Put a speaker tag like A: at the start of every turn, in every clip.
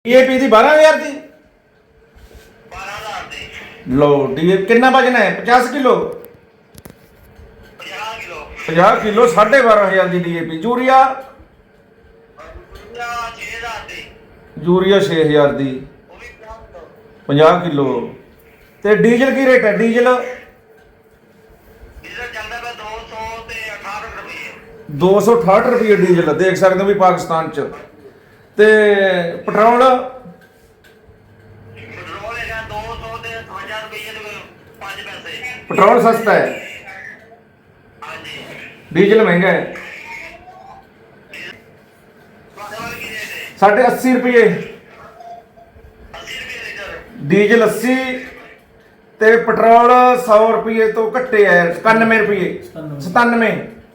A: DAP ਦੀ 12000 ਦੀ लो D कितना वजन है 50 किलो 50 किलो 12,500 की डीएपी यूरिया 6,000 की 50 किलो ते डीजल की रेट है डीजल 268 रुपये डीजल देख सकते हो भी पाकिस्तान च ते पेट्रोल पेट्रोल सस्ता है डीजल महंगा है 80 रुपये डीजल 80 ते पेट्रोल 100 रुपये तो घट्टे है 91 रुपये 97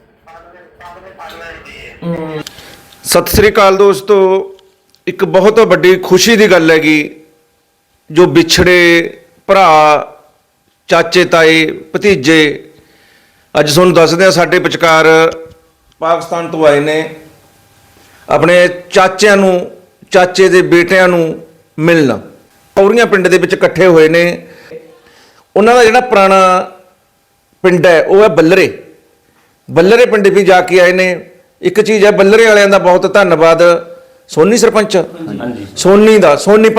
A: सत श्री अकाल दोस्तों एक बहुत बड़ी खुशी की गल हैगी जो विछड़े भरा चाचे ताए भतीजे अज तुहानूं दसदे आ साडे विचकार पाकिस्तान तो आए ने अपने चाचिਆਂ ਨੂੰ चाचे ਦੇ बेटिਆਂ ਨੂੰ मिलन कौरियां पिंड ਦੇ ਵਿੱਚ इकट्ठे होए ने उन्हां ਦਾ ਜਿਹੜਾ पुराना पिंड है वो है बल्लरे पिंड भी जाके आए ने एक चीज़ है बल्लरे वालियां दा बहुत धन्नवाद सोनी सरपंच सोनी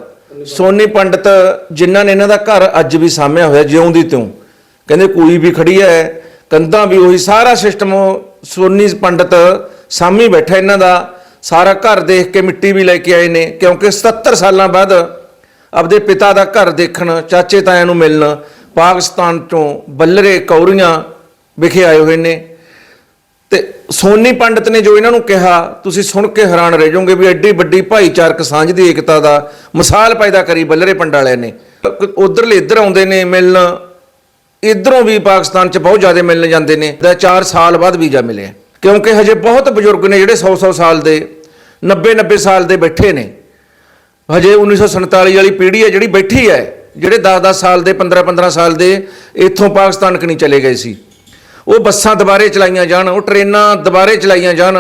A: पंडित जिन्होंने इन्हों का घर अज भी सामया होया जिउंदी त्यों कहते कोई भी खड़ी है कंधा भी वही सारा सिस्टम सोनी पंडित सामी बैठा इन्हों का सारा घर देख के मिट्टी भी लेके आए ने क्योंकि 77 साल बाद अपने पिता का घर देखण चाचे ताया नूं मिलन पाकिस्तान चों बल्लरे कौरियां विखे आए हुए ने ते सोनी पंडित ने जो इन्हों कहा तुसीं सुन के हैरान रह जाओगे भी एड्डी वड्डी भाईचारक सांझ की एकता का मिसाल पैदा करी बल्लरे पिंड वाले ने उधरले इधर आउंदे ने मिलन इधरों भी पाकिस्तान च बहुत ज़्यादा मिलने जाते हैं 4 साल बाद वीज़ा मिले क्योंकि हजे बहुत बजुर्ग ने जिहड़े 100 साल के 90 साल के बैठे ने हजे 1947 वाली पीढ़ी है जिहड़ी बैठी है जिहड़े 10 साल के 15 साल के इत्थों पाकिस्तान कनी चले गए सी वो बसां दोबारे चलाइया जान वो ट्रेनां दोबारे चलाइया जान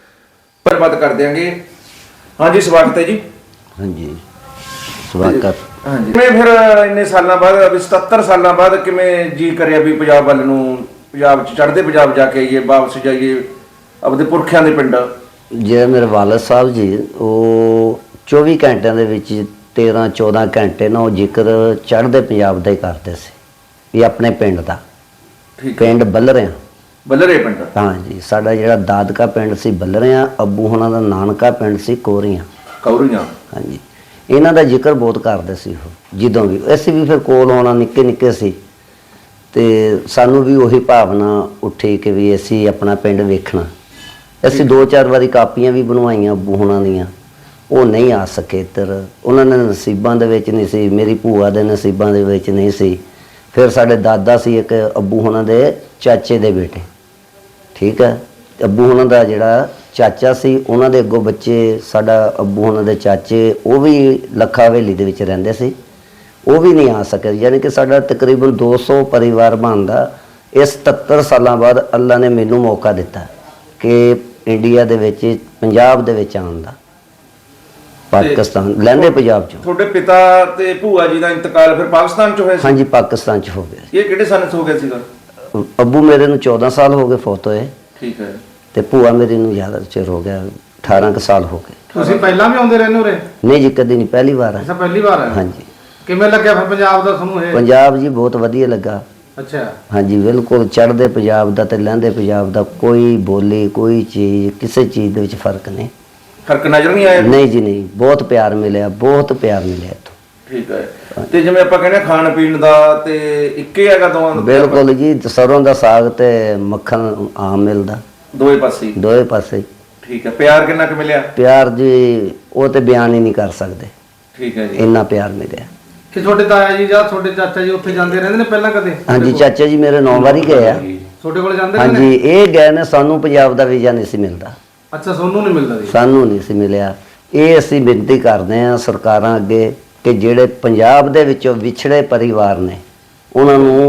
A: पर बात कर देंगे। हाँ जी स्वागत है जी।
B: हाँ जी स्वागत।
A: हाँ जी मैं फिर इन्ने सालों बाद अभी 77 सालों बाद किवें जी करिया भी पंजाब वाल नूं पंजाब चढ़दे पंजाब जाके आइए वापस जाइए अपने पुरखियां दे पिंड
B: जे मेरे वालद साहब जी वो 24 घंटिਆਂ ਦੇ ਵਿੱਚ 13-14 ਘੰਟੇ ना वो जिक्र चढ़दे पंजाब ਦਾ ਹੀ ਕਰਦੇ ਸੀ ਵੀ ਆਪਣੇ ਪਿੰਡ ਦਾ पिंड बल्लरे पिंड। हाँ जी साडा जिहड़ा दादका पिंड सी बल्लरियां अब्बू होना दा नानका पिंड सी कौरियां। हाँ जी इन्हां दा जिक्र बहुत करदे सी जदों भी असीं भी फिर कोल होना निक्के निक्के सी ते सानू भी उही भावना उठी कि भी असीं अपना पिंड वेखना असीं 2-4 वारी कापियां भी बनवाइयां अब्बू होना दियां वो नहीं आ सके इधर उन्होंने नसीबां दे विच नहीं सी मेरी भूआ दे नसीबां दे विच नहीं सी फिर साढ़े दादा सी एक अब्बू होना दे चाचे दे बेटे ठीक है अब्बू होना दा जिहड़ा चाचा सी उन्हां दे अगों बच्चे साडा अब्बू होना दे चाचे वो भी लखा हवेली दे विच रहिंदे सी वो भी नहीं आ सके यानी कि साडा तकरीबन 200 परिवार बनदा इस 77 साल बाद अल्लाह ने मैनू मौका दिता कि इंडिया दे विच पंजाब दे विच आउण दा पाकिस्तान लैंदे पंजाब चों
A: ਤੁਹਾਡੇ पिता ਤੇ ਭੂਆ जी ਦਾ इंतकाल फिर पाकिस्तान ਚ ਹੋਇਆ ਸੀ।
B: हाँ जी पाकिस्तान च हो गया।
A: ये ਕਿਹੜੇ ਸਾਲ ਚ ਹੋ ਗਿਆ ਸੀਗਾ?
B: अब्बू मेरे नूं 14 साल हो गए फौत होए
A: ठीक है
B: ते भूआ मेरी नूं ज़्यादा चिर हो गया 18 ਕੁ ਸਾਲ ਹੋ ਗਏ।
C: ਤੁਸੀਂ ਪਹਿਲਾਂ ਵੀ ਆਉਂਦੇ ਰਹਿੰਦੇ ਉਰੇ?
B: नहीं जी कदी नहीं पहली बार है।
C: ਅੱਛਾ ਪਹਿਲੀ ਵਾਰ ਹੈ।
B: हाँ जी
C: ਕਿਵੇਂ ਲੱਗਿਆ ਫਿਰ ਪੰਜਾਬ ਦਾ ਤੁਹਾਨੂੰ ਇਹ?
B: पंजाब जी बहुत वधिया लगा।
C: ਅੱਛਾ
B: हाँ जी बिल्कुल चढ़दे पंजाब दा ते लਹਿੰਦੇ पंजाब दा कोई बोली कोई चीज़ किसी चीज़ दे विच फर्क नहीं
A: फर्क नजर नहीं आया?
B: नहीं जी नहीं बहुत प्यार मिले बहुत प्यार मिले इत्थों।
A: ठीक है ते जिवें आपां कहने खाण पीण दा ते इक्के हैगा दोवां दा?
B: बिल्कुल जी सरों दा साग ते मक्खन आम मिलदा
A: दोए पासे
B: दोए पासे।
A: ठीक है प्यार किन्ना क मिलिया?
B: प्यार जी वो ते बयान ही नहीं कर सकते
A: ठीक है जी
B: इन्ना प्यार मिले।
C: ਕਿ ਤੁਹਾਡੇ ਤਾਇਆ ਜੀ ਜਾਂ ਤੁਹਾਡੇ ਚਾਚਾ ਜੀ ਉੱਥੇ ਜਾਂਦੇ ਰਹਿੰਦੇ ਨੇ ਪਹਿਲਾਂ ਕਦੇ?
B: हाँ जी चाचा जी मेरे 9 बारी गए आ।
C: ਤੁਹਾਡੇ ਕੋਲ ਜਾਂਦੇ
B: हाँ
C: ਨੇ?
B: जी ये गए ने सानू पंजाब दा वीज़ा नहीं सी मिलदा
C: ਅੱਛਾ ਸੋਨੂੰ ਨਹੀਂ ਮਿਲਦਾ ਜੀ?
B: सानू नहीं सी मिलिया ये असीं बेनती करदे आ सरकारां अगे कि जिहड़े पंजाब दे विचों विछड़े परिवार ने उन्हां नूं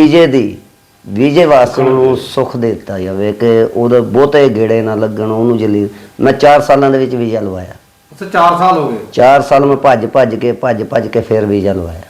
B: वीजे वास्ते उन्होंने सुख दिता जाए कि वो बहुते गेड़े ना लगन उन्होंने जली मैं 4 सालों के वीज़ा लवाया
C: ਅੱਛਾ 4 ਸਾਲ ਹੋ ਗਏ।
B: 4 ਸਾਲ ਮੈਂ ਭੱਜ ਕੇ ਫਿਰ ਵੀਜ਼ਾ ਲਵਾਇਆ।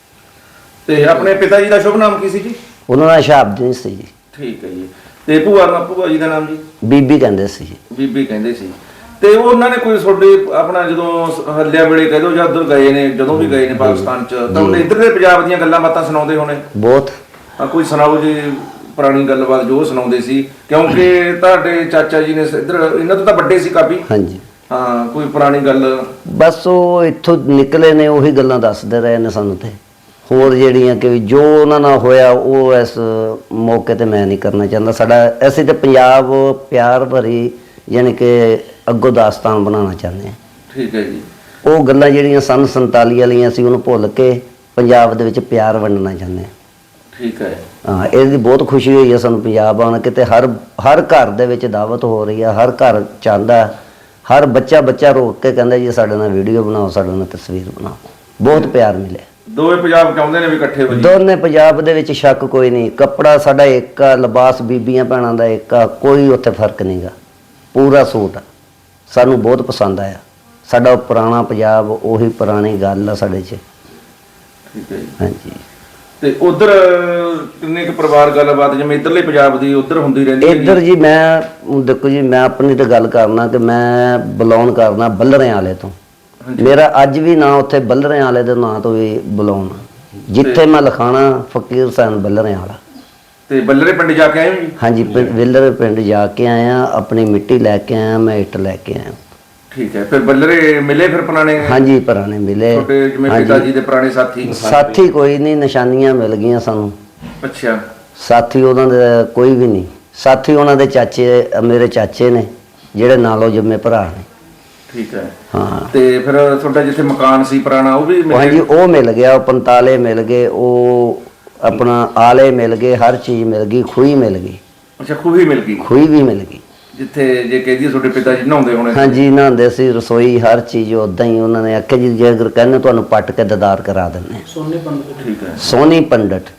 A: ਤੇ ਆਪਣੇ ਪਿਤਾ ਜੀ ਦਾ ਸ਼ੁਭ ਨਾਮ ਕੀ ਸੀ ਜੀ?
B: ਉਹਨਾਂ ਦਾ ਸ਼ਹਾਬਦੀਨ ਸੀ ਜੀ।
A: ਠੀਕ ਹੈ ਜੀ। ਤੇ ਭੂਆ ਜੀ ਦਾ ਨਾਮ ਜੀ?
B: ਬੀਬੀ ਕਹਿੰਦੇ ਸੀ ਜੀ।
A: ਬੀਬੀ ਕਹਿੰਦੇ ਸੀ। ਤੇ ਉਹਨਾਂ ਨੇ ਕੋਈ ਤੁਹਾਡੇ ਆਪਣਾ ਜਦੋਂ ਹੱਲਿਆ ਵੇਲੇ ਕਹਿ ਦੋ ਜਾਂ ਉੱਧਰ ਗਏ ਨੇ, ਜਦੋਂ ਵੀ ਗਏ ਨੇ ਪਾਕਿਸਤਾਨ ਚ, ਤਾਂ ਉਹਨੇ ਇੱਧਰ ਦੇ ਪੰਜਾਬ ਦੀਆਂ ਗੱਲਾਂ ਬਾਤਾਂ ਸੁਣਾਉਂਦੇ ਹੋਣੇ?
B: ਬਹੁਤ।
A: ਕੋਈ ਸੁਣਾਓ ਜੀ ਪੁਰਾਣੀ ਗੱਲਬਾਤ ਜੋ ਸੁਣਾਉਂਦੇ ਸੀ, ਕਿਉਂਕਿ ਤੁਹਾਡੇ ਚਾਚਾ ਜੀ ਨੇ ਇੱਧਰ ਇਹਨਾਂ ਤੋਂ ਤਾਂ ਵੱਡੇ ਸੀ ਕਾਫੀ।
B: ਹਾਂਜੀ।
A: ਹਾਂ, ਕੋਈ ਪੁਰਾਣੀ ਗੱਲ?
B: ਬਸ ਉਹ ਇੱਥੋਂ ਨਿਕਲੇ ਨੇ ਉਹੀ ਗੱਲਾਂ ਦੱਸਦੇ ਰਹੇ ਨੇ ਸਾਨੂੰ। ਤੇ ਹੋਰ ਜਿਹੜੀਆਂ ਕਿ ਜੋ ਉਹਨਾਂ ਨਾਲ ਹੋਇਆ ਉਹ ਇਸ ਮੌਕੇ ਤੇ ਮੈਂ ਨਹੀਂ ਕਰਨਾ ਚਾਹੁੰਦਾ। ਅਸੀਂ ਤੇ ਪੰਜਾਬ ਪਿਆਰ ਭਰੀ ਯਾਨੀ ਕਿ ਅੱਗੋਂ ਦਾਸਤਾਨ ਬਣਾਉਣਾ ਚਾਹੁੰਦੇ ਹਾਂ।
A: ਠੀਕ ਹੈ ਜੀ।
B: ਉਹ ਗੱਲਾਂ ਜਿਹੜੀਆਂ ਸਨ 47 ਵਾਲੀਆਂ ਸੀ ਉਹਨੂੰ ਭੁੱਲ ਕੇ ਪੰਜਾਬ ਦੇ ਵਿੱਚ ਪਿਆਰ ਵੰਡਣਾ ਚਾਹੁੰਦੇ ਹਾਂ।
A: ਠੀਕ ਹੈ।
B: ਹਾਂ, ਇਹਦੀ ਬਹੁਤ ਖੁਸ਼ੀ ਹੋਈ ਹੈ ਸਾਨੂੰ ਪੰਜਾਬ ਆਉਣ ਕੇ। ਤੇ ਹਰ ਘਰ ਦੇ ਵਿੱਚ ਦਾਵਤ ਹੋ ਰਹੀ ਹੈ, ਹਰ ਘਰ ਚਾਹੁੰਦਾ, ਹਰ ਬੱਚਾ ਰੋਕ ਕੇ ਕਹਿੰਦਾ ਜੀ ਸਾਡੇ ਨਾਲ ਵੀਡੀਓ ਬਣਾਓ, ਸਾਡੇ ਨਾਲ ਤਸਵੀਰ ਬਣਾਓ। ਬਹੁਤ ਪਿਆਰ ਮਿਲਿਆ।
A: ਦੋਵੇਂ ਪੰਜਾਬ ਚਾਹੁੰਦੇ ਨੇ ਵੀ ਇਕੱਠੇ ਹੋ ਜੀ?
B: ਦੋਨੇ ਪੰਜਾਬ ਦੇ ਵਿੱਚ ਸ਼ੱਕ ਕੋਈ ਨਹੀਂ। ਕੱਪੜਾ ਸਾਡਾ ਇੱਕ ਆ, ਲਿਬਾਸ ਬੀਬੀਆਂ ਭੈਣਾਂ ਦਾ ਇੱਕ ਆ, ਕੋਈ ਉੱਥੇ ਫਰਕ ਨਹੀਂਗਾ। ਪੂਰਾ ਸੂਟ ਆ, ਸਾਨੂੰ ਬਹੁਤ ਪਸੰਦ ਆਇਆ। ਸਾਡਾ ਉਹ ਪੁਰਾਣਾ ਪੰਜਾਬ, ਉਹੀ ਪੁਰਾਣੀ ਗੱਲ ਆ ਸਾਡੇ 'ਚ।
A: ਠੀਕ ਹੈ ਜੀ।
B: ਹਾਂਜੀ।
A: ਤੇ ਉਧਰ ਕਿੰਨੇ ਕੁ ਪਰਿਵਾਰ ਗੱਲਬਾਤ ਜਿਵੇਂ ਇੱਧਰਲੇ ਪੰਜਾਬ ਦੀ ਉਧਰ ਹੁੰਦੀ ਰਹਿੰਦੀ ਹੈ
B: ਇੱਧਰ ਜੀ ਮੈਂ ਦੇਖੋ ਜੀ, ਮੈਂ ਆਪਣੀ ਤਾਂ ਗੱਲ ਕਰਨਾ ਕਿ ਮੈਂ ਬਿਲੋਂਗ ਕਰਨਾ ਬੱਲਰਿਆਂ ਵਾਲੇ ਤੋਂ। ਮੇਰਾ ਅੱਜ ਵੀ ਨਾਂ ਉੱਥੇ ਬੱਲਰਿਆਂ ਵਾਲੇ ਦੇ ਨਾਂ ਤੋਂ ਵੀ ਬਿਲੋਂਗ। ਜਿੱਥੇ ਮੈਂ ਲਿਖਾਣਾ ਫਕੀਰ ਹੁਸੈਨ ਬੱਲਰਿਆਂ ਵਾਲਾ।
A: ਤੇ ਬੱਲਰੇ ਪਿੰਡ ਜਾ ਕੇ ਆਏ ਹੋ ਜੀ?
B: ਹਾਂਜੀ, ਵਿਲਰ ਪਿੰਡ ਜਾ ਕੇ ਆਇਆ, ਆਪਣੀ ਮਿੱਟੀ ਲੈ ਕੇ ਆਇਆ, ਮੈਂ ਇੱਟ ਲੈ ਕੇ ਆਇਆ।
A: ਠੀਕ ਹੈ। ਫਿਰ ਬੱਲਰੇ ਮਿਲੇ ਫਿਰ ਪੁਰਾਣੇ?
B: ਹਾਂਜੀ, ਪੁਰਾਣੇ ਮਿਲੇ।
A: ਤੁਹਾਡੇ ਜਿਵੇਂ ਪਿਤਾ ਜੀ ਦੇ ਪੁਰਾਣੇ
B: ਸਾਥੀ ਕੋਈ ਨਹੀਂ, ਨਿਸ਼ਾਨੀਆਂ ਮਿਲ ਗਈਆਂ ਸਾਨੂੰ।
A: ਅੱਛਾ।
B: ਸਾਥੀ ਉਹਨਾਂ ਦੇ ਕੋਈ ਵੀ ਨਹੀਂ। ਸਾਥੀ ਉਹਨਾਂ ਦੇ ਚਾਚੇ, ਮੇਰੇ ਚਾਚੇ ਨੇ ਜਿਹੜੇ ਨਾਲੋਂ ਜੰਮੇ ਭਰਾ ਨੇ।
A: ਠੀਕ ਹੈ।
B: ਹਾਂ।
A: ਤੇ ਫਿਰ ਤੁਹਾਡਾ ਜਿੱਥੇ ਮਕਾਨ ਸੀ ਪੁਰਾਣਾ ਉਹ ਵੀ ਮਿਲ
B: ਹਾਂਜੀ, ਉਹ ਮਿਲ ਗਿਆ। ਉਹ ਪੰਤਾਲੇ ਮਿਲ ਗਏ, ਉਹ ਆਪਣਾ ਆਲੇ ਮਿਲ ਗਏ, ਹਰ ਚੀਜ਼ ਮਿਲ ਗਈ। ਖੂਹੀ ਮਿਲ ਗਈ।
A: ਅੱਛਾ, ਖੂਹੀ ਮਿਲ ਗਈ?
B: ਖੂਹੀ ਵੀ ਮਿਲ ਗਈ।
A: ਜਿੱਥੇ ਜੇ ਕਹਿ ਦਈਏ ਤੁਹਾਡੇ ਪਿਤਾ ਜੀ ਨਹਾਉਂਦੇ ਹੋਣੇ?
B: ਹਾਂਜੀ, ਨਹਾਉਂਦੇ ਸੀ। ਰਸੋਈ ਹਰ ਚੀਜ਼ ਉਦਾਂ ਹੀ। ਉਹਨਾਂ ਨੇ ਆਖਿਆ ਜੀ ਜੇ ਅਗਰ ਕਹਿੰਦੇ ਤੁਹਾਨੂੰ ਪੱਟ ਕੇ ਦੀਦਾਰ ਕਰਾ ਦਿੰਦੇ ਹਾਂ।
C: ਸੋਨੀ ਪੰਡਤ।
A: ਠੀਕ ਹੈ।
B: ਸੋਨੀ ਪੰਡਤ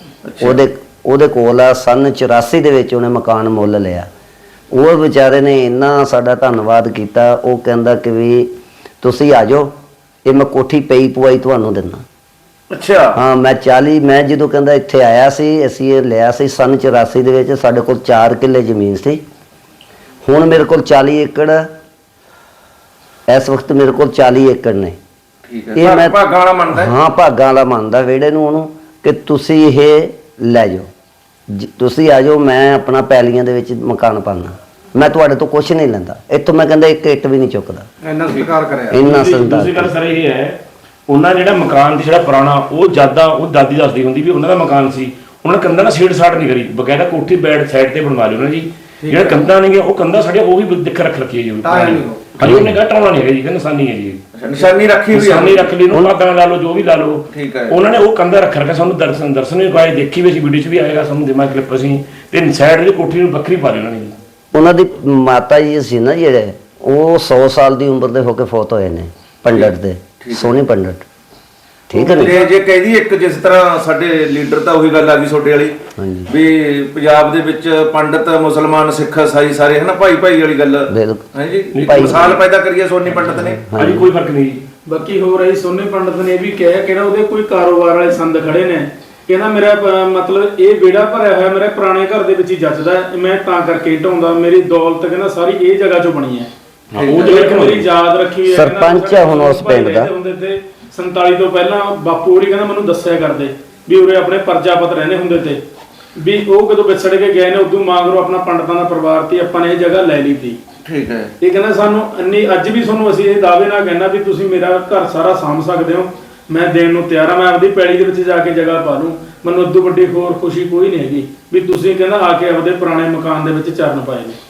B: ਉਹਦੇ ਕੋਲ ਆ। ਸਨ 84 ਦੇ ਵਿੱਚ ਉਹਨੇ ਮਕਾਨ ਮੁੱਲ ਲਿਆ। ਉਹ ਵਿਚਾਰੇ ਨੇ ਇੰਨਾ ਸਾਡਾ ਧੰਨਵਾਦ ਕੀਤਾ। ਉਹ ਕਹਿੰਦਾ ਕਿ ਵੀ ਤੁਸੀਂ ਆ ਜਾਓ, ਇਹ ਮੈਂ ਕੋਠੀ ਪਈ ਪੁਆਈ ਤੁਹਾਨੂੰ ਦਿੰਦਾ।
A: ਅੱਛਾ।
B: ਹਾਂ, ਮੈਂ ਜਦੋਂ ਕਹਿੰਦਾ ਇੱਥੇ ਆਇਆ ਸੀ, ਅਸੀਂ ਇਹ ਲਿਆ ਸੀ ਸਨ 84 ਦੇ ਵਿੱਚ। ਸਾਡੇ ਕੋਲ 4 ਕਿੱਲੇ ਜ਼ਮੀਨ ਸੀ। ਹੁਣ ਮੇਰੇ ਕੋਲ 40 ਏਕੜ, ਇਸ ਵਕਤ ਮੇਰੇ ਕੋਲ 40 ਏਕੜ ਨੇ।
A: ਠੀਕ ਹੈ। ਮੈਂ ਭਾਗਾਂ ਵਾਲਾ ਮੰਨਦਾ?
B: ਹਾਂ, ਭਾਗਾਂ ਵਾਲਾ ਮੰਨਦਾ ਵਿਹੜੇ ਨੂੰ ਉਹਨੂੰ ਕਿ ਤੁਸੀਂ ਇਹ ਲੈ ਜਾਓ, ਤੁਸੀਂ ਆ ਜਾਓ, ਮੈਂ ਆਪਣਾ ਪੈਲੀਆਂ ਦੇ ਵਿੱਚ ਮਕਾਨ ਪਾਉਣਾ, ਮੈਂ ਤੁਹਾਡੇ ਤੋਂ ਕੁਝ ਨਹੀਂ ਲੈਂਦਾ। ਇੱਥੋਂ ਮੈਂ ਕਹਿੰਦਾ ਇੱਕ ਇੱਟ ਵੀ ਨਹੀਂ ਚੁੱਕਦਾ।
C: ਇੰਨਾ ਸਤਿਕਾਰ ਕਰਿਆ।
B: ਇੰਨਾ ਸੰਦਾਰ।
D: ਦੂਸਰੀ ਗੱਲ ਸਰ ਇਹ ਹੈ, ਉਹਨਾਂ ਜਿਹੜਾ ਮਕਾਨ ਸੀ ਜਿਹੜਾ ਪੁਰਾਣਾ, ਉਹ ਉਹ ਦਾਦੀ ਦੱਸਦੀ ਹੁੰਦੀ ਵੀ ਉਹਨਾਂ ਦਾ ਮਕਾਨ ਸੀ, ਉਹਨਾਂ ਨੇ ਕੰਧਾਂ ਨਾਲ ਛੇੜ ਛਾੜ ਨਹੀਂ ਕਰੀ, ਬਕਾਇਦਾ ਕੋਠੀ ਬੈਡ ਸਾਈਡ ਤੇ ਬਣਵਾ ਲਈ ਉਹਨਾਂ ਜੀ। ਜਿਹੜਾ ਕੰਧਾਂ ਨੇਗੇ ਉਹ ਕੰਧਾਂ ਸਾਡੀਆਂ ਉਹ ਵੀ ਦਿੱਖ ਰੱਖ ਰੱਖੀ ਹੈ ਜੀ। ਹਾਂਜੀ, ਉਹਨੇ ਕਹਾ ਟਾਉਣਾ ਨਹੀਂ ਹੈਗਾ ਜੀ, ਨਿਸ਼ਾਨੀ ਹੈ ਜੀ।
A: ਨਿਸ਼ਾਨੀ ਰੱਖੀ ਹੋਈ ਹੈ?
D: ਨਿਸ਼ਾਨੀ ਰੱਖ ਲਈ, ਉਹਨੂੰ ਭਾਗਾਂ ਲਾ ਲਓ, ਜੋ ਵੀ ਲਾ ਲਓ।
A: ਠੀਕ ਹੈ।
D: ਉਹਨਾਂ ਨੇ ਉਹ ਕੰਧਾਂ ਰੱਖ ਰੱਖਿਆ। ਸਾਨੂੰ ਦਰਸ਼ਨ ਵੀ ਪਾਏ, ਦੇਖੀ ਵੀ ਅਸੀਂ ਵੀਡੀਓ 'ਚ ਵੀ ਆਏਗਾ, ਸਾਨੂੰ ਦਿਮਾਗ ਕਲਿੱਪ ਅਸੀਂ। ਤੇ ਸਾਈਡ ਦੀ ਕੋਠੀ ਨੂੰ ਵੱਖਰੀ ਪਾ ਲਈ ਉਹਨਾਂ ਨੇ ਜੀ।
B: ਉਹਨਾਂ ਦੀ ਮਾਤਾ ਜੀ ਸੀ ਨਾ ਜਿਹੜੇ, ਉਹ 100 ਸਾਲ ਦੀ ਉਮਰ ਦੇ ਹੋ ਕੇ ਫੌਤ ਹੋਏ ਨੇ, ਪੰਡਤ ਦੇ, ਸੋਨੀ ਪੰਡਤ। ਠੀਕ ਹੈ ਨਾ?
A: ਜੇ ਕਹਿ ਦਈਏ ਇੱਕ ਜਿਸ ਤਰ੍ਹਾਂ ਸਾਡੇ ਲੀਡਰ ਤਾਂ ਉਹੀ ਗੱਲ ਆ ਗਈ ਤੁਹਾਡੇ ਵਾਲੀ ਵੀ ਪੰਜਾਬ ਦੇ ਵਿੱਚ ਪੰਡਤ ਮੁਸਲਮਾਨ ਸਿੱਖ ਈਸਾਈ ਸਾਰੇ ਹਨਾ ਭਾਈ ਵਾਲੀ ਗੱਲ। ਹਾਂਜੀ, ਇੱਕ ਮਿਸਾਲ ਪੈਦਾ ਕਰੀਏ ਸੋਨੀ ਪੰਡਤ ਨੇ।
D: ਹਾਂਜੀ, ਕੋਈ ਫਰਕ ਨਹੀਂ ਜੀ।
C: ਬਾਕੀ ਹੋ ਰਹੀ ਸੋਨੀ ਪੰਡਤ ਨੇ ਇਹ ਵੀ ਕਿਹਾ ਕਿ ਉਹਦੇ ਕੋਈ ਕਾਰੋਬਾਰ ਵਾਲੇ ਸੰਦ ਖੜੇ ਨੇ, ਕਹਿੰਦਾ ਮੇਰਾ ਮਤਲਬ ਇਹ ਵਿਹੜਾ ਭਰਿਆ ਹੋਇਆ ਮੇਰੇ ਪੁਰਾਣੇ ਘਰ ਦੇ ਵਿੱਚ ਹੀ ਜੱਜਦਾ, ਮੈਂ ਤਾਂ ਕਰਕੇ ਢਾਉਂਦਾ, ਮੇਰੀ ਦੌਲਤ ਕਹਿੰਦਾ ਸਾਰੀ ਇਹ ਜਗ੍ਹਾ 'ਚੋਂ ਬਣੀ ਹੈ। ਉਹ ਜਿਹੜੀ ਮੇਰੀ ਯਾਦ ਰੱਖੀ ਹੋਈ ਹੈ।
B: ਸਰਪੰਚ ਹੈ ਹੁਣ ਉਸ ਪਿੰਡ ਦਾ।
C: 47 ਤੋਂ ਪਹਿਲਾਂ ਬਾਪੂ ਹੋਰੀ ਕਹਿੰਦਾ ਮੈਨੂੰ ਦੱਸਿਆ ਕਰਦੇ ਵੀ ਉਰੇ ਆਪਣੇ ਪ੍ਰਜਾਪਤ ਰਹਿੰਦੇ ਹੁੰਦੇ ਤੇ ਵੀ ਉਹ ਕਦੋਂ ਵਿਛੜ ਕੇ ਗਏ ਨੇ, ਉਦੋਂ ਮਗਰੋਂ ਆਪਣਾ ਪੰਡਤਾਂ ਦਾ ਪਰਿਵਾਰ ਤੇ ਆਪਾਂ ਨੇ ਇਹ ਜਗ੍ਹਾ ਲੈ ਲਈ ਸੀ।
A: ਠੀਕ ਹੈ।
C: ਇਹ ਕਹਿੰਦਾ ਸਾਨੂੰ ਇੰਨੀ ਅੱਜ ਵੀ ਤੁਹਾਨੂੰ ਅਸੀਂ ਇਹ ਦਾਅਵੇ ਨਾਲ ਕਹਿੰਦਾ ਵੀ ਤੁਸੀਂ ਮੇਰਾ ਘਰ ਸਾਰਾ ਸਾਂਭ ਸਕਦੇ ਹੋ, ਮੈਂ ਦੇਣ ਨੂੰ ਤਿਆਰ ਆ, ਮੈਂ ਆਪਦੀ ਪੈਲੀ ਦੇ ਵਿੱਚ ਜਾ ਕੇ ਜਗ੍ਹਾ ਪਾ ਲੂੰ, ਮੈਨੂੰ ਉਦੋਂ ਵੱਡੀ ਹੋਰ ਖੁਸ਼ੀ ਕੋਈ ਨਹੀਂ ਹੈਗੀ ਵੀ ਤੁਸੀਂ ਕਹਿੰਦਾ ਆ ਕੇ ਆਪਦੇ ਪੁਰਾਣੇ ਮਕਾਨ ਦੇ ਵਿੱਚ ਚਰਨ ਪਾਏ ਨੇ।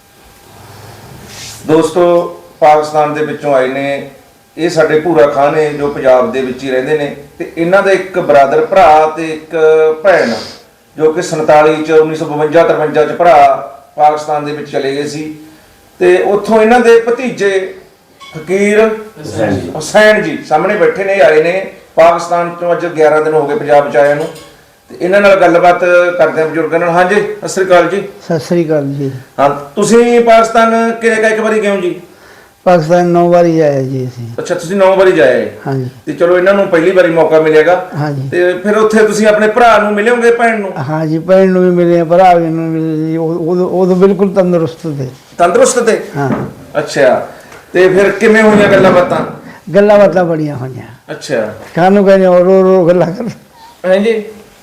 A: ਦੋਸਤੋ, ਪਾਕਿਸਤਾਨ ਦੇ ਵਿੱਚੋਂ ਆਏ ਨੇ ਇਹ ਸਾਡੇ ਭੂਰਾ ਖਾਨ ਨੇ ਜੋ ਪੰਜਾਬ ਦੇ ਵਿੱਚ ਹੀ ਰਹਿੰਦੇ ਨੇ, ਤੇ ਇਹਨਾਂ ਦਾ ਇੱਕ ਬਰਾਦਰ ਭਰਾ ਤੇ ਇੱਕ ਭੈਣ ਜੋ ਕਿ 47 ਚ 1952-53 ਚ ਭਰਾ ਪਾਕਿਸਤਾਨ ਦੇ ਵਿੱਚ ਚਲੇ ਗਏ ਸੀ। ਤੇ ਉੱਥੋਂ ਇਹਨਾਂ ਦੇ ਭਤੀਜੇ ਫਕੀਰ ਹੁਸੈਨ ਜੀ ਸਾਹਮਣੇ ਬੈਠੇ ਨੇ, ਆਏ ਨੇ ਪਾਕਿਸਤਾਨ ਤੋਂ। ਅੱਜ 11 ਦਿਨ ਹੋ ਗਏ ਪੰਜਾਬ ਚ ਆਇਆ ਨੂੰ, ਤੇ ਇਹਨਾਂ ਨਾਲ ਗੱਲਬਾਤ ਕਰਦੇ ਹਾਂ ਬਜ਼ੁਰਗਾਂ ਨਾਲ। ਹਾਂਜੀ, ਸਤਿ ਸ੍ਰੀ ਅਕਾਲ ਜੀ।
E: ਸਤਿ ਸ੍ਰੀ ਅਕਾਲ ਜੀ।
A: ਹਾਂ, ਤੁਸੀਂ ਪਾਕਿਸਤਾਨ ਕਿਹੜੇ ਇੱਕ ਵਾਰੀ ਗਏ ਹੋ ਜੀ?
E: ਪਾਕਿਸਤਾਨ 9 ਵਾਰੀ ਜਾਇਆ ਜੀ ਅਸੀਂ।
A: ਅੱਛਾ, ਤੁਸੀਂ 9 ਵਾਰੀ ਜਾਏ
E: ਹਾਂਜੀ
A: ਤੇ ਚਲੋ ਇਹਨਾਂ ਨੂੰ ਪਹਿਲੀ ਵਾਰੀ ਮੌਕਾ ਮਿਲੇਗਾ
E: ਹਾਂਜੀ
A: ਤੇ ਫਿਰ ਉੱਥੇ ਤੁਸੀਂ ਆਪਣੇ ਭਰਾ ਨੂੰ ਮਿਲੋਗੇ, ਭੈਣ ਨੂੰ?
E: ਹਾਂਜੀ, ਭੈਣ ਨੂੰ ਵੀ ਮਿਲੇ, ਭਰਾ ਵੀ ਨੂੰ ਮਿਲੇ ਜੀ। ਉਹ ਬਿਲਕੁਲ ਤੰਦਰੁਸਤ ਤੇ।
A: ਤੰਦਰੁਸਤ ਤੇ?
E: ਹਾਂ,
A: ਅੱਛਾ, ਤੇ ਫਿਰ ਕਿਵੇਂ ਹੋਈਆਂ ਗੱਲਾਂ ਬਾਤਾਂ?
E: ਗੱਲਾਂ ਬਾਤਾਂ ਬੜੀਆਂ ਹੋਈਆਂ।
A: ਅੱਛਾ,
E: ਕਾਹਨੂੰ ਕਹਿੰਦੇ ਰੋ ਰੋ ਗੱਲਾਂ ਕਰ।
A: ਹਾਂਜੀ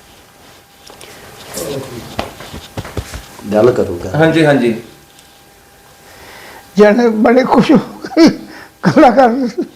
B: ਗੱਲ ਕਰੂਗਾ।
A: ਹਾਂਜੀ ਹਾਂਜੀ।
E: ਜਣੇ ਬੜੇ ਖੁਸ਼ ਹੋ ਗਏ ਗੱਲਾਂ ਕਰ।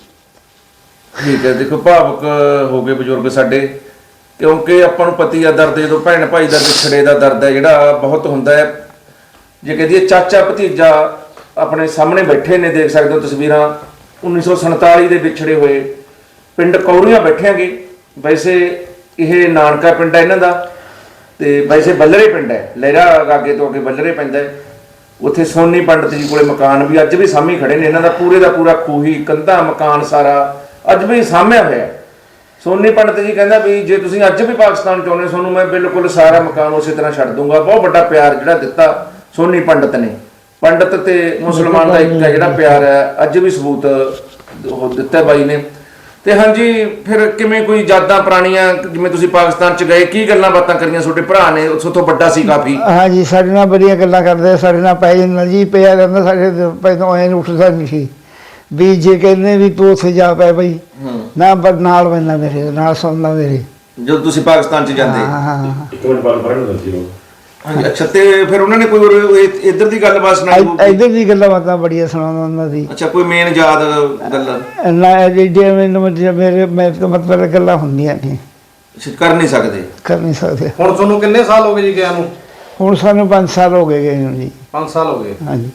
A: ਠੀਕ ਹੈ, ਦੇਖੋ ਭਾਵੁਕ ਹੋ ਗਏ ਬਜ਼ੁਰਗ ਸਾਡੇ, ਕਿਉਂਕਿ ਆਪਾਂ ਨੂੰ ਪਤੀ ਆ ਦਰਦ, ਜਦੋਂ ਭੈਣ ਭਾਈ ਦਾ ਵਿਛੜੇ ਦਾ ਦਰਦ ਹੈ ਜਿਹੜਾ ਬਹੁਤ ਹੁੰਦਾ ਹੈ। ਜੇ ਕਹਦੀਏ ਚਾਚਾ ਭਤੀਜਾ ਆਪਣੇ ਸਾਹਮਣੇ ਬੈਠੇ ਨੇ, ਦੇਖ ਸਕਦੇ ਹੋ ਤਸਵੀਰਾਂ, 1947 ਦੇ ਵਿਛੜੇ ਹੋਏ ਪਿੰਡ ਕੌਰੀਆਂ ਬੈਠਿਆਂਗੇ। ਵੈਸੇ ਇਹ ਨਾਨਕਾ ਪਿੰਡ ਹੈ ਇਹਨਾਂ ਦਾ, ਤੇ ਵੈਸੇ ਬੱਲਰੇ ਪਿੰਡ ਹੈ, ਲਹਿਰਾ ਗਾਗੇ ਤੋਂ ਅੱਗੇ ਬੱਲਰੇ ਪੈਂਦਾ ਹੈ। ਉੱਥੇ ਸੋਨੀ ਪੰਡਤ ਜੀ ਕੋਲੇ ਮਕਾਨ ਵੀ ਅੱਜ ਵੀ ਸਾਹਮਣੇ ਖੜੇ ਨੇ ਇਹਨਾਂ ਦਾ, ਪੂਰੇ ਦਾ ਪੂਰਾ ਖੂਹੀ ਕੰਧਾਂ ਮਕਾਨ ਸਾਰਾ ਅੱਜ ਵੀ ਸਾਂਭਿਆ ਹੋਇਆ ਹੈ। ਸੋਨੀ ਪੰਡਤ ਜੀ ਕਹਿੰਦਾ ਵੀ ਜੇ ਤੁਸੀਂ ਅੱਜ ਵੀ ਪਾਕਿਸਤਾਨ ਚਾਹੁੰਦੇ ਹੋ, ਤੁਹਾਨੂੰ ਮੈਂ ਬਿਲਕੁਲ ਸਾਰਾ ਮਕਾਨ ਉਸੇ ਤਰ੍ਹਾਂ ਛੱਡ ਦੂੰਗਾ। ਬਹੁਤ ਵੱਡਾ ਪਿਆਰ ਜਿਹੜਾ ਦਿੱਤਾ ਸੋਨੀ ਪੰਡਤ ਨੇ। ਪੰਡਤ ਤੇ ਮੁਸਲਮਾਨ ਦਾ ਇੱਕ ਹੈ ਜਿਹੜਾ ਪਿਆਰ ਹੈ, ਅੱਜ ਵੀ ਸਬੂਤ ਉਹ ਦਿੱਤਾ ਬਾਈ ਨੇ। ਤੇ ਹਾਂਜੀ, ਫਿਰ ਕਿਵੇਂ ਕੋਈ ਯਾਦਾਂ ਪੁਰਾਣੀਆਂ, ਜਿਵੇਂ ਤੁਸੀਂ ਪਾਕਿਸਤਾਨ ਚ ਗਏ, ਕੀ ਗੱਲਾਂ ਬਾਤਾਂ ਕਰੀਆਂ ਤੁਹਾਡੇ ਭਰਾ ਨੇ? ਉਸ ਤੋਂ ਵੱਡਾ ਸੀ ਕਾਫੀ।
E: ਹਾਂਜੀ, ਸਾਡੇ ਨਾਲ ਬੜੀਆਂ ਗੱਲਾਂ ਕਰਦੇ, ਸਾਡੇ ਨਾਲ ਪੈ ਜਾਂਦਾ ਜੀ, ਪਿਆ ਰਹਿੰਦਾ ਸਾਡੇ ਪੈਦੋਂ ਐਂ ਉੱਠਦਾ ਨਹੀਂ ਸੀ ਵੀ ਜੇ ਕਹਿੰਦੇ ਵੀ ਤੂੰ ਉੱਥੇ ਜਾ ਪੈ ਬਈ ਨਾ, ਪਰ ਨਾਲ ਪੈਂਦਾ ਮੇਰੇ ਨਾਲ, ਸੁਣਦਾ ਮੇਰੇ।
A: ਜਦੋਂ ਤੁਸੀਂ ਪਾਕਿਸਤਾਨ ਚ ਜਾਂਦੇ?
E: ਹਾਂ ਹਾਂ।
D: ਇੱਕ ਮਿੰਟ ਬਾਅਦ ਪੜਨ ਦੱਸੀ ਲੋ।
A: ਹਾਂਜੀ, ਅੱਛਾ, ਤੇ ਫਿਰ ਉਹਨਾਂ ਨੇ ਕੋਈ ਇੱਧਰ ਦੀ ਗੱਲਬਾਤ ਸੁਣਾਈ ਹੋਊਗੀ?
E: ਇੱਧਰ ਦੀ ਗੱਲਾਂ ਬਾਤਾਂ ਬੜੀਆਂ ਸੁਣਾਉਂਦਾ ਹੁੰਦਾ ਸੀ।
A: ਅੱਛਾ, ਕੋਈ ਮੇਨ ਯਾਦ ਗੱਲ?
E: ਨਾ ਜੇ ਮੈਨੂੰ ਮੇਰੇ ਮਤਲਬ ਗੱਲਾਂ ਹੁੰਦੀਆਂ ਨਹੀਂ,
A: ਕਰ ਨਹੀਂ ਸਕਦੇ?
E: ਕਰ ਨਹੀਂ ਸਕਦੇ।
F: ਹੁਣ ਤੁਹਾਨੂੰ ਕਿੰਨੇ ਸਾਲ ਹੋ ਗਏ ਜੀ ਗਿਆ ਨੂੰ?
E: ਹੁਣ ਸਾਨੂੰ 5 ਸਾਲ ਹੋ ਗਏ ਨੂੰ ਜੀ।
F: 5 ਸਾਲ ਹੋ ਗਏ।
E: ਹਾਂਜੀ,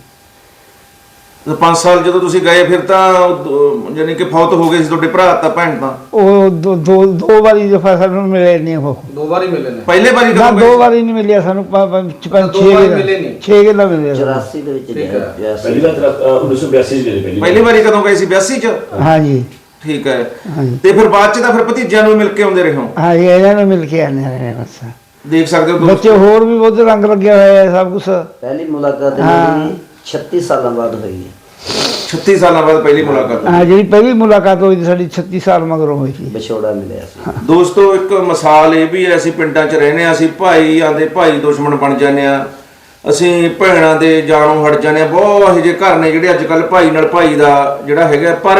A: 5 ਸਾਲ ਜਦੋਂ ਤੁਸੀਂ ਗਏ ਫਿਰ ਤਾਂ ਯਾਨੀ ਕਿ ਫੌਤ ਹੋ ਗਏ ਸੀ ਤੁਹਾਡੇ ਭਰਾ ਤਾਂ ਭੈਣ ਤਾਂ?
E: ਉਹ ਦੋ ਵਾਰੀ ਦਫਾ ਸਾਨੂੰ ਮਿਲੇ ਨਹੀਂ ਉਹ।
F: 2 ਵਾਰੀ ਮਿਲੇ ਨੇ।
A: ਪਹਿਲੇ ਵਾਰੀ
E: ਨਾ,
A: ਕਦੋਂ
E: 2
A: ਗਏ?
E: ਵਾਰੀ ਨਹੀਂ ਮਿਲਿਆ ਸਾਨੂੰ,
F: ਦੋ ਵਾਰੀ ਮਿਲੇ ਨਹੀਂ।
E: 6 ਗੱਲਾਂ ਮਿਲੇ ਸਾਨੂੰ।
B: 84 ਦੇ ਵਿੱਚ
F: ਠੀਕ ਹੈ।
B: ਗਿਆ
D: ਪਹਿਲੀ ਵਾਰ 1982 ਚ ਗਏ
A: ਪਹਿਲੀ ਵਾਰੀ ਕਦੋਂ ਗਏ ਸੀ? 82 ਚ?
E: ਹਾਂਜੀ
A: ਠੀਕ ਹੈ।
E: ਹਾਂਜੀ
A: ਤੇ ਫਿਰ ਬਾਅਦ ਚ ਤਾਂ ਫਿਰ ਭਤੀਜਿਆਂ ਨੂੰ ਮਿਲ ਕੇ ਆਉਂਦੇ ਰਹੇ ਹੋ?
E: ਹਾਂਜੀ, ਇਹਨਾਂ ਨੂੰ ਮਿਲ ਕੇ ਆਨੇ ਰਹੇ ਬਸ।
A: ਦੇਖ ਸਕਦੇ ਹੋ
E: ਬੱਚੇ ਹੋਰ ਵੀ ਬਹੁਤ ਰੰਗ ਲੱਗਿਆ ਹੋਇਆ ਹੈ ਸਭ ਕੁਝ।
B: ਪਹਿਲੀ ਮੁਲਾਕਾਤ
E: ਹਾਂ।
B: ਮੇਰੀ 36 ਸਾਲਾਂ ਬਾਅਦ ਹੋਈ ਹੈ।
A: 36 ਸਾਲਾਂ ਬਾਅਦ ਪਹਿਲੀ ਮੁਲਾਕਾਤ?
E: ਹਾਂ, ਜਿਹੜੀ ਪਹਿਲੀ ਮੁਲਾਕਾਤ ਹੋਈ ਸੀ ਸਾਡੀ 36 ਸਾਲ ਮਗਰੋਂ ਹੋਈ ਸੀ।
B: ਵਿਛੋੜਾ ਮਿਲਿਆ ਸੀ।
A: ਦੋਸਤੋ, ਇੱਕ ਮਿਸਾਲ ਇਹ ਵੀ ਹੈ, ਅਸੀਂ ਪਿੰਡਾਂ 'ਚ ਰਹਿੰਦੇ ਹਾਂ, ਅਸੀਂ ਭਾਈ ਆਂਦੇ ਭਾਈ ਦੁਸ਼ਮਣ ਬਣ ਜਾਂਦੇ ਆ, ਅਸੀਂ ਭੈਣਾਂ ਦੇ ਜਾਣੋਂ ਹਟ ਜਾਂਦੇ ਆ। ਬਹੁਤ ਇਹੋ ਜਿਹੇ ਘਰ ਨੇ ਜਿਹੜੇ ਅੱਜ ਕੱਲ ਭਾਈ ਨਾਲ ਭਾਈ ਦਾ ਜਿਹੜਾ ਹੈਗਾ, ਪਰ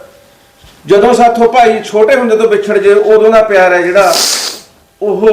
A: ਜਦੋਂ ਸਾਥੋਂ ਭਾਈ ਛੋਟੇ ਹੁੰਦੇ ਤੋਂ ਵਿਛੜ ਜੇ, ਉਦੋਂ ਦਾ ਪਿਆਰ ਹੈ ਜਿਹੜਾ ਉਹ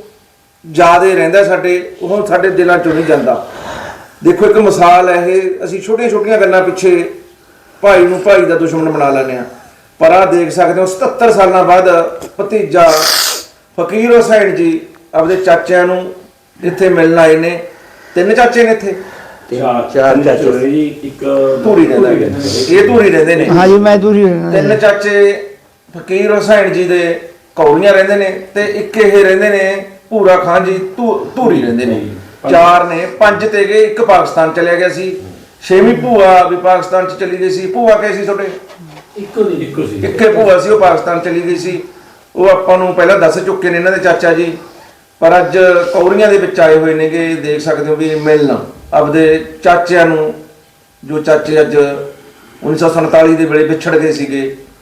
A: ਜ਼ਿਆਦੇ ਰਹਿੰਦਾ ਸਾਡੇ, ਉਹ ਸਾਡੇ ਦਿਲਾਂ 'ਚੋਂ ਨਹੀਂ ਜਾਂਦਾ। ਦੇਖੋ, ਇੱਕ ਮਿਸਾਲ ਹੈ ਇਹ, ਅਸੀਂ ਛੋਟੀਆਂ ਛੋਟੀਆਂ ਗੱਲਾਂ ਪਿੱਛੇ ਭਾਈ ਨੂੰ ਭਾਈ ਦਾ ਦੁਸ਼ਮਣ ਬਣਾ ਲੈਂਦੇ ਆ। ਪਰ ਆਹ ਦੇਖ ਸਕਦੇ ਹੋ 77 ਸਾਲਾਂ ਬਾਅਦ ਭਤੀਜਾ ਫਕੀਰ ਹੁਸੈਨ ਜੀ ਆਪਦੇ ਚਾਚਿਆਂ ਨੂੰ ਇੱਥੇ ਮਿਲਣ ਆਏ ਨੇ। 3 ਚਾਚੇ ਨੇ ਇੱਥੇ?
B: ਚਾਰ ਚਾਚੇ
D: ਹੋਏ ਜੀ। ਇੱਕ
A: ਧੂਰੀ ਰਹਿੰਦਾ, ਇਹ ਧੂਰੀ ਰਹਿੰਦੇ ਨੇ।
E: ਹਾਂਜੀ, ਮੈਂ ਦੂਰੀ
A: 3 ਚਾਚੇ ਫਕੀਰ ਹੁਸੈਨ ਜੀ ਦੇ ਕੌੜੀਆਂ ਰਹਿੰਦੇ ਨੇ, ਤੇ ਇੱਕ ਇਹ ਰਹਿੰਦੇ ਨੇ ਭੂਰਾ ਖਾਨ ਜੀ ਧੂਰੀ ਰਹਿੰਦੇ ਨੇ। 4 ਨੇ, 5 ਤੇ ਗਏ, 1 ਪਾਕਿਸਤਾਨ ਚਲਿਆ ਗਿਆ ਸੀ। 6ਵੀਂ ਭੂਆ ਵੀ ਪਾਕਿਸਤਾਨ ਚ ਚਲੀ ਗਈ ਸੀ। ਭੂਆ ਕਹੇ ਸੀ ਤੁਹਾਡੇ?
D: ਇੱਕੋ ਸੀ।
A: ਇੱਕੇ ਭੂਆ ਸੀ, ਉਹ ਪਾਕਿਸਤਾਨ ਚਲੀ ਗਈ ਸੀ। ਉਹ ਆਪਾਂ ਨੂੰ ਪਹਿਲਾਂ ਦੱਸ ਚੁੱਕੇ ਨੇ ਇਹਨਾਂ ਦੇ ਚਾਚਾ ਜੀ, ਪਰ ਅੱਜ ਕੌਰੀਆਂ ਦੇ ਵਿੱਚ ਆਏ ਹੋਏ ਨੇਗੇ। ਦੇਖ ਸਕਦੇ ਹੋ ਵੀ ਮਿਲਣ ਆਪਦੇ ਚਾਚਿਆਂ ਨੂੰ, ਜੋ ਚਾਚੇ ਅੱਜ 1947 ਦੇ ਵੇਲੇ ਵਿਛੜ ਗਏ ਸੀਗੇ।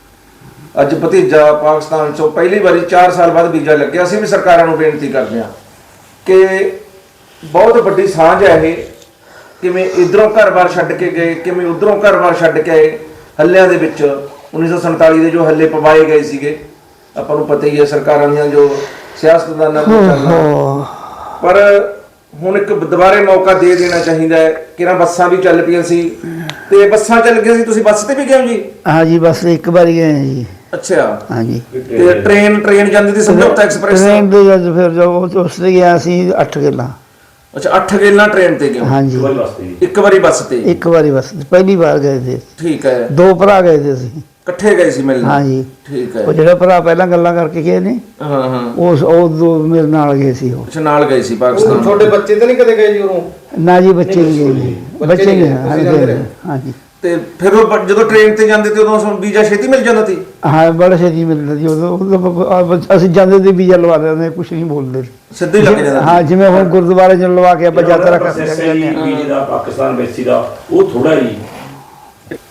A: ਅੱਜ ਭਤੀਜਾ ਪਾਕਿਸਤਾਨ ਚੋਂ ਪਹਿਲੀ ਵਾਰੀ 4 ਸਾਲ ਬਾਅਦ ਵੀਜ਼ਾ ਲੱਗਿਆ। ਅਸੀਂ ਵੀ ਸਰਕਾਰਾਂ ਨੂੰ ਬੇਨਤੀ ਕਰਦੇ ਹਾਂ ਕਿ ਬਹੁਤ ਵੱਡੀ ਸਾਂਝ ਹੈ ਇਹ, ਕਿਵੇਂ ਇਧਰੋਂ ਘਰ-ਬਾਰ ਛੱਡ ਕੇ ਗਏ, ਕਿਵੇਂ ਉਧਰੋਂ ਘਰ-ਬਾਰ ਛੱਡ ਕੇ ਆਏ। ਹੱਲਿਆਂ ਦੇ ਵਿੱਚ 1947 ਦੇ ਜੋ ਹੱਲੇ ਪਵਾਏ ਗਏ ਸੀਗੇ, ਆਪਾਂ ਨੂੰ ਪਤਾ ਹੀ ਹੈ ਸਰਕਾਰਾਂ ਦੀਆਂ ਜੋ ਸਿਆਸਤਦਾਨਾਂ ਦਾ ਚੱਲਣਾ। ਪਰ ਹੁਣ ਇੱਕ ਦੁਬਾਰੇ ਮੌਕਾ ਦੇ ਦੇਣਾ ਚਾਹੀਦਾ ਹੈ। ਕਿਹੜਾ ਬੱਸਾਂ ਵੀ ਚੱਲ ਪਈਆਂ ਸੀ, ਤੇ ਬੱਸਾਂ ਚੱਲ ਗਈਆਂ ਸੀ, ਤੁਸੀਂ ਬੱਸ ਤੇ ਵੀ ਗਏ ਹੋ ਜੀ?
E: ਹਾਂਜੀ, ਬਸ ਇੱਕ ਵਾਰੀ ਗਏ ਜੀ।
A: ਅੱਛਾ,
E: ਹਾਂਜੀ।
A: ਤੇ ਟ੍ਰੇਨ ਜਾਂਦੀ ਸੀ ਸਮਝੌਤਾ ਐਕਸਪ੍ਰੈਸ?
E: ਟ੍ਰੇਨ ਦੇ ਜਦ ਫਿਰ ਜੋ ਉਸ ਤੇ ਗਿਆ ਸੀ 8 ਗੱਲਾਂ।
A: ਅੱਛਾ, 8 ਗੇਲਾਂ ਟ੍ਰੇਨ ਤੇ ਗਏ ਹੋ?
E: ਹਾਂਜੀ,
A: ਇੱਕ ਵਾਰੀ ਬੱਸ ਤੇ?
E: ਇੱਕ ਵਾਰੀ ਬਸ, ਪਹਿਲੀ ਵਾਰ ਗਏ ਸੀ।
A: ਠੀਕ ਹੈ।
E: 2 ਭਰਾ ਗਏ ਸੀ ਅਸੀਂ,
A: ਇਕੱਠੇ ਗਏ ਸੀ ਮਿਲਣ?
E: ਹਾਂਜੀ।
A: ਠੀਕ ਹੈ।
E: ਉਹ ਜਿਹੜਾ ਭਰਾ ਪਹਿਲਾਂ ਗੱਲਾਂ ਕਰਕੇ ਗਏ ਨੇ,
A: ਹਾਂ ਹਾਂ,
E: ਉਹ 2 ਮੇਰੇ ਨਾਲ ਗਏ ਸੀ। ਉਹ
A: ਅੱਛਾ, ਨਾਲ ਗਏ ਸੀ ਪਾਕਿਸਤਾਨ?
F: ਤੁਹਾਡੇ ਬੱਚੇ ਤਾਂ ਨਹੀਂ ਕਦੇ ਗਏ ਜੀ ਉਰੋਂ?
E: ਨਾ ਜੀ, ਬੱਚੇ ਨਹੀਂ ਗਏ, ਬੱਚੇ ਨਹੀਂ ਗਏ। ਹਾਂਜੀ।
A: ਤੇ ਫਿਰ ਉਹ ਜਦੋਂ ਟ੍ਰੇਨ ਤੇ ਜਾਂਦੇ ਤੇ ਉਦੋਂ ਵੀਜ਼ਾ ਛੇਤੀ ਮਿਲ ਜਾਂਦਾ ਸੀ?
E: ਹਾਂ, ਬੜਾ ਛੇਤੀ ਮਿਲਦਾ ਜੀ ਉਦੋਂ। ਅਸੀਂ ਜਾਂਦੇ ਤੇ ਵੀਜ਼ਾ ਲਵਾ ਲੈਂਦੇ, ਕੁਝ ਨਹੀਂ ਬੋਲਦੇ,
A: ਸਿੱਧੇ ਲੱਗ ਜਾਂਦਾ?
E: ਹਾਂ, ਜਿਵੇਂ ਹੁਣ ਗੁਰਦੁਆਰੇ ਚ ਲਵਾ ਕੇ ਆਪਾਂ ਯਾਤਰਾ ਕਰ ਸਕਦੇ ਹਾਂ।
D: ਵੀਜ਼ੇ ਦਾ ਪਾਕਿਸਤਾਨ ਬੈਸੀ ਦਾ ਉਹ ਥੋੜਾ ਹੀ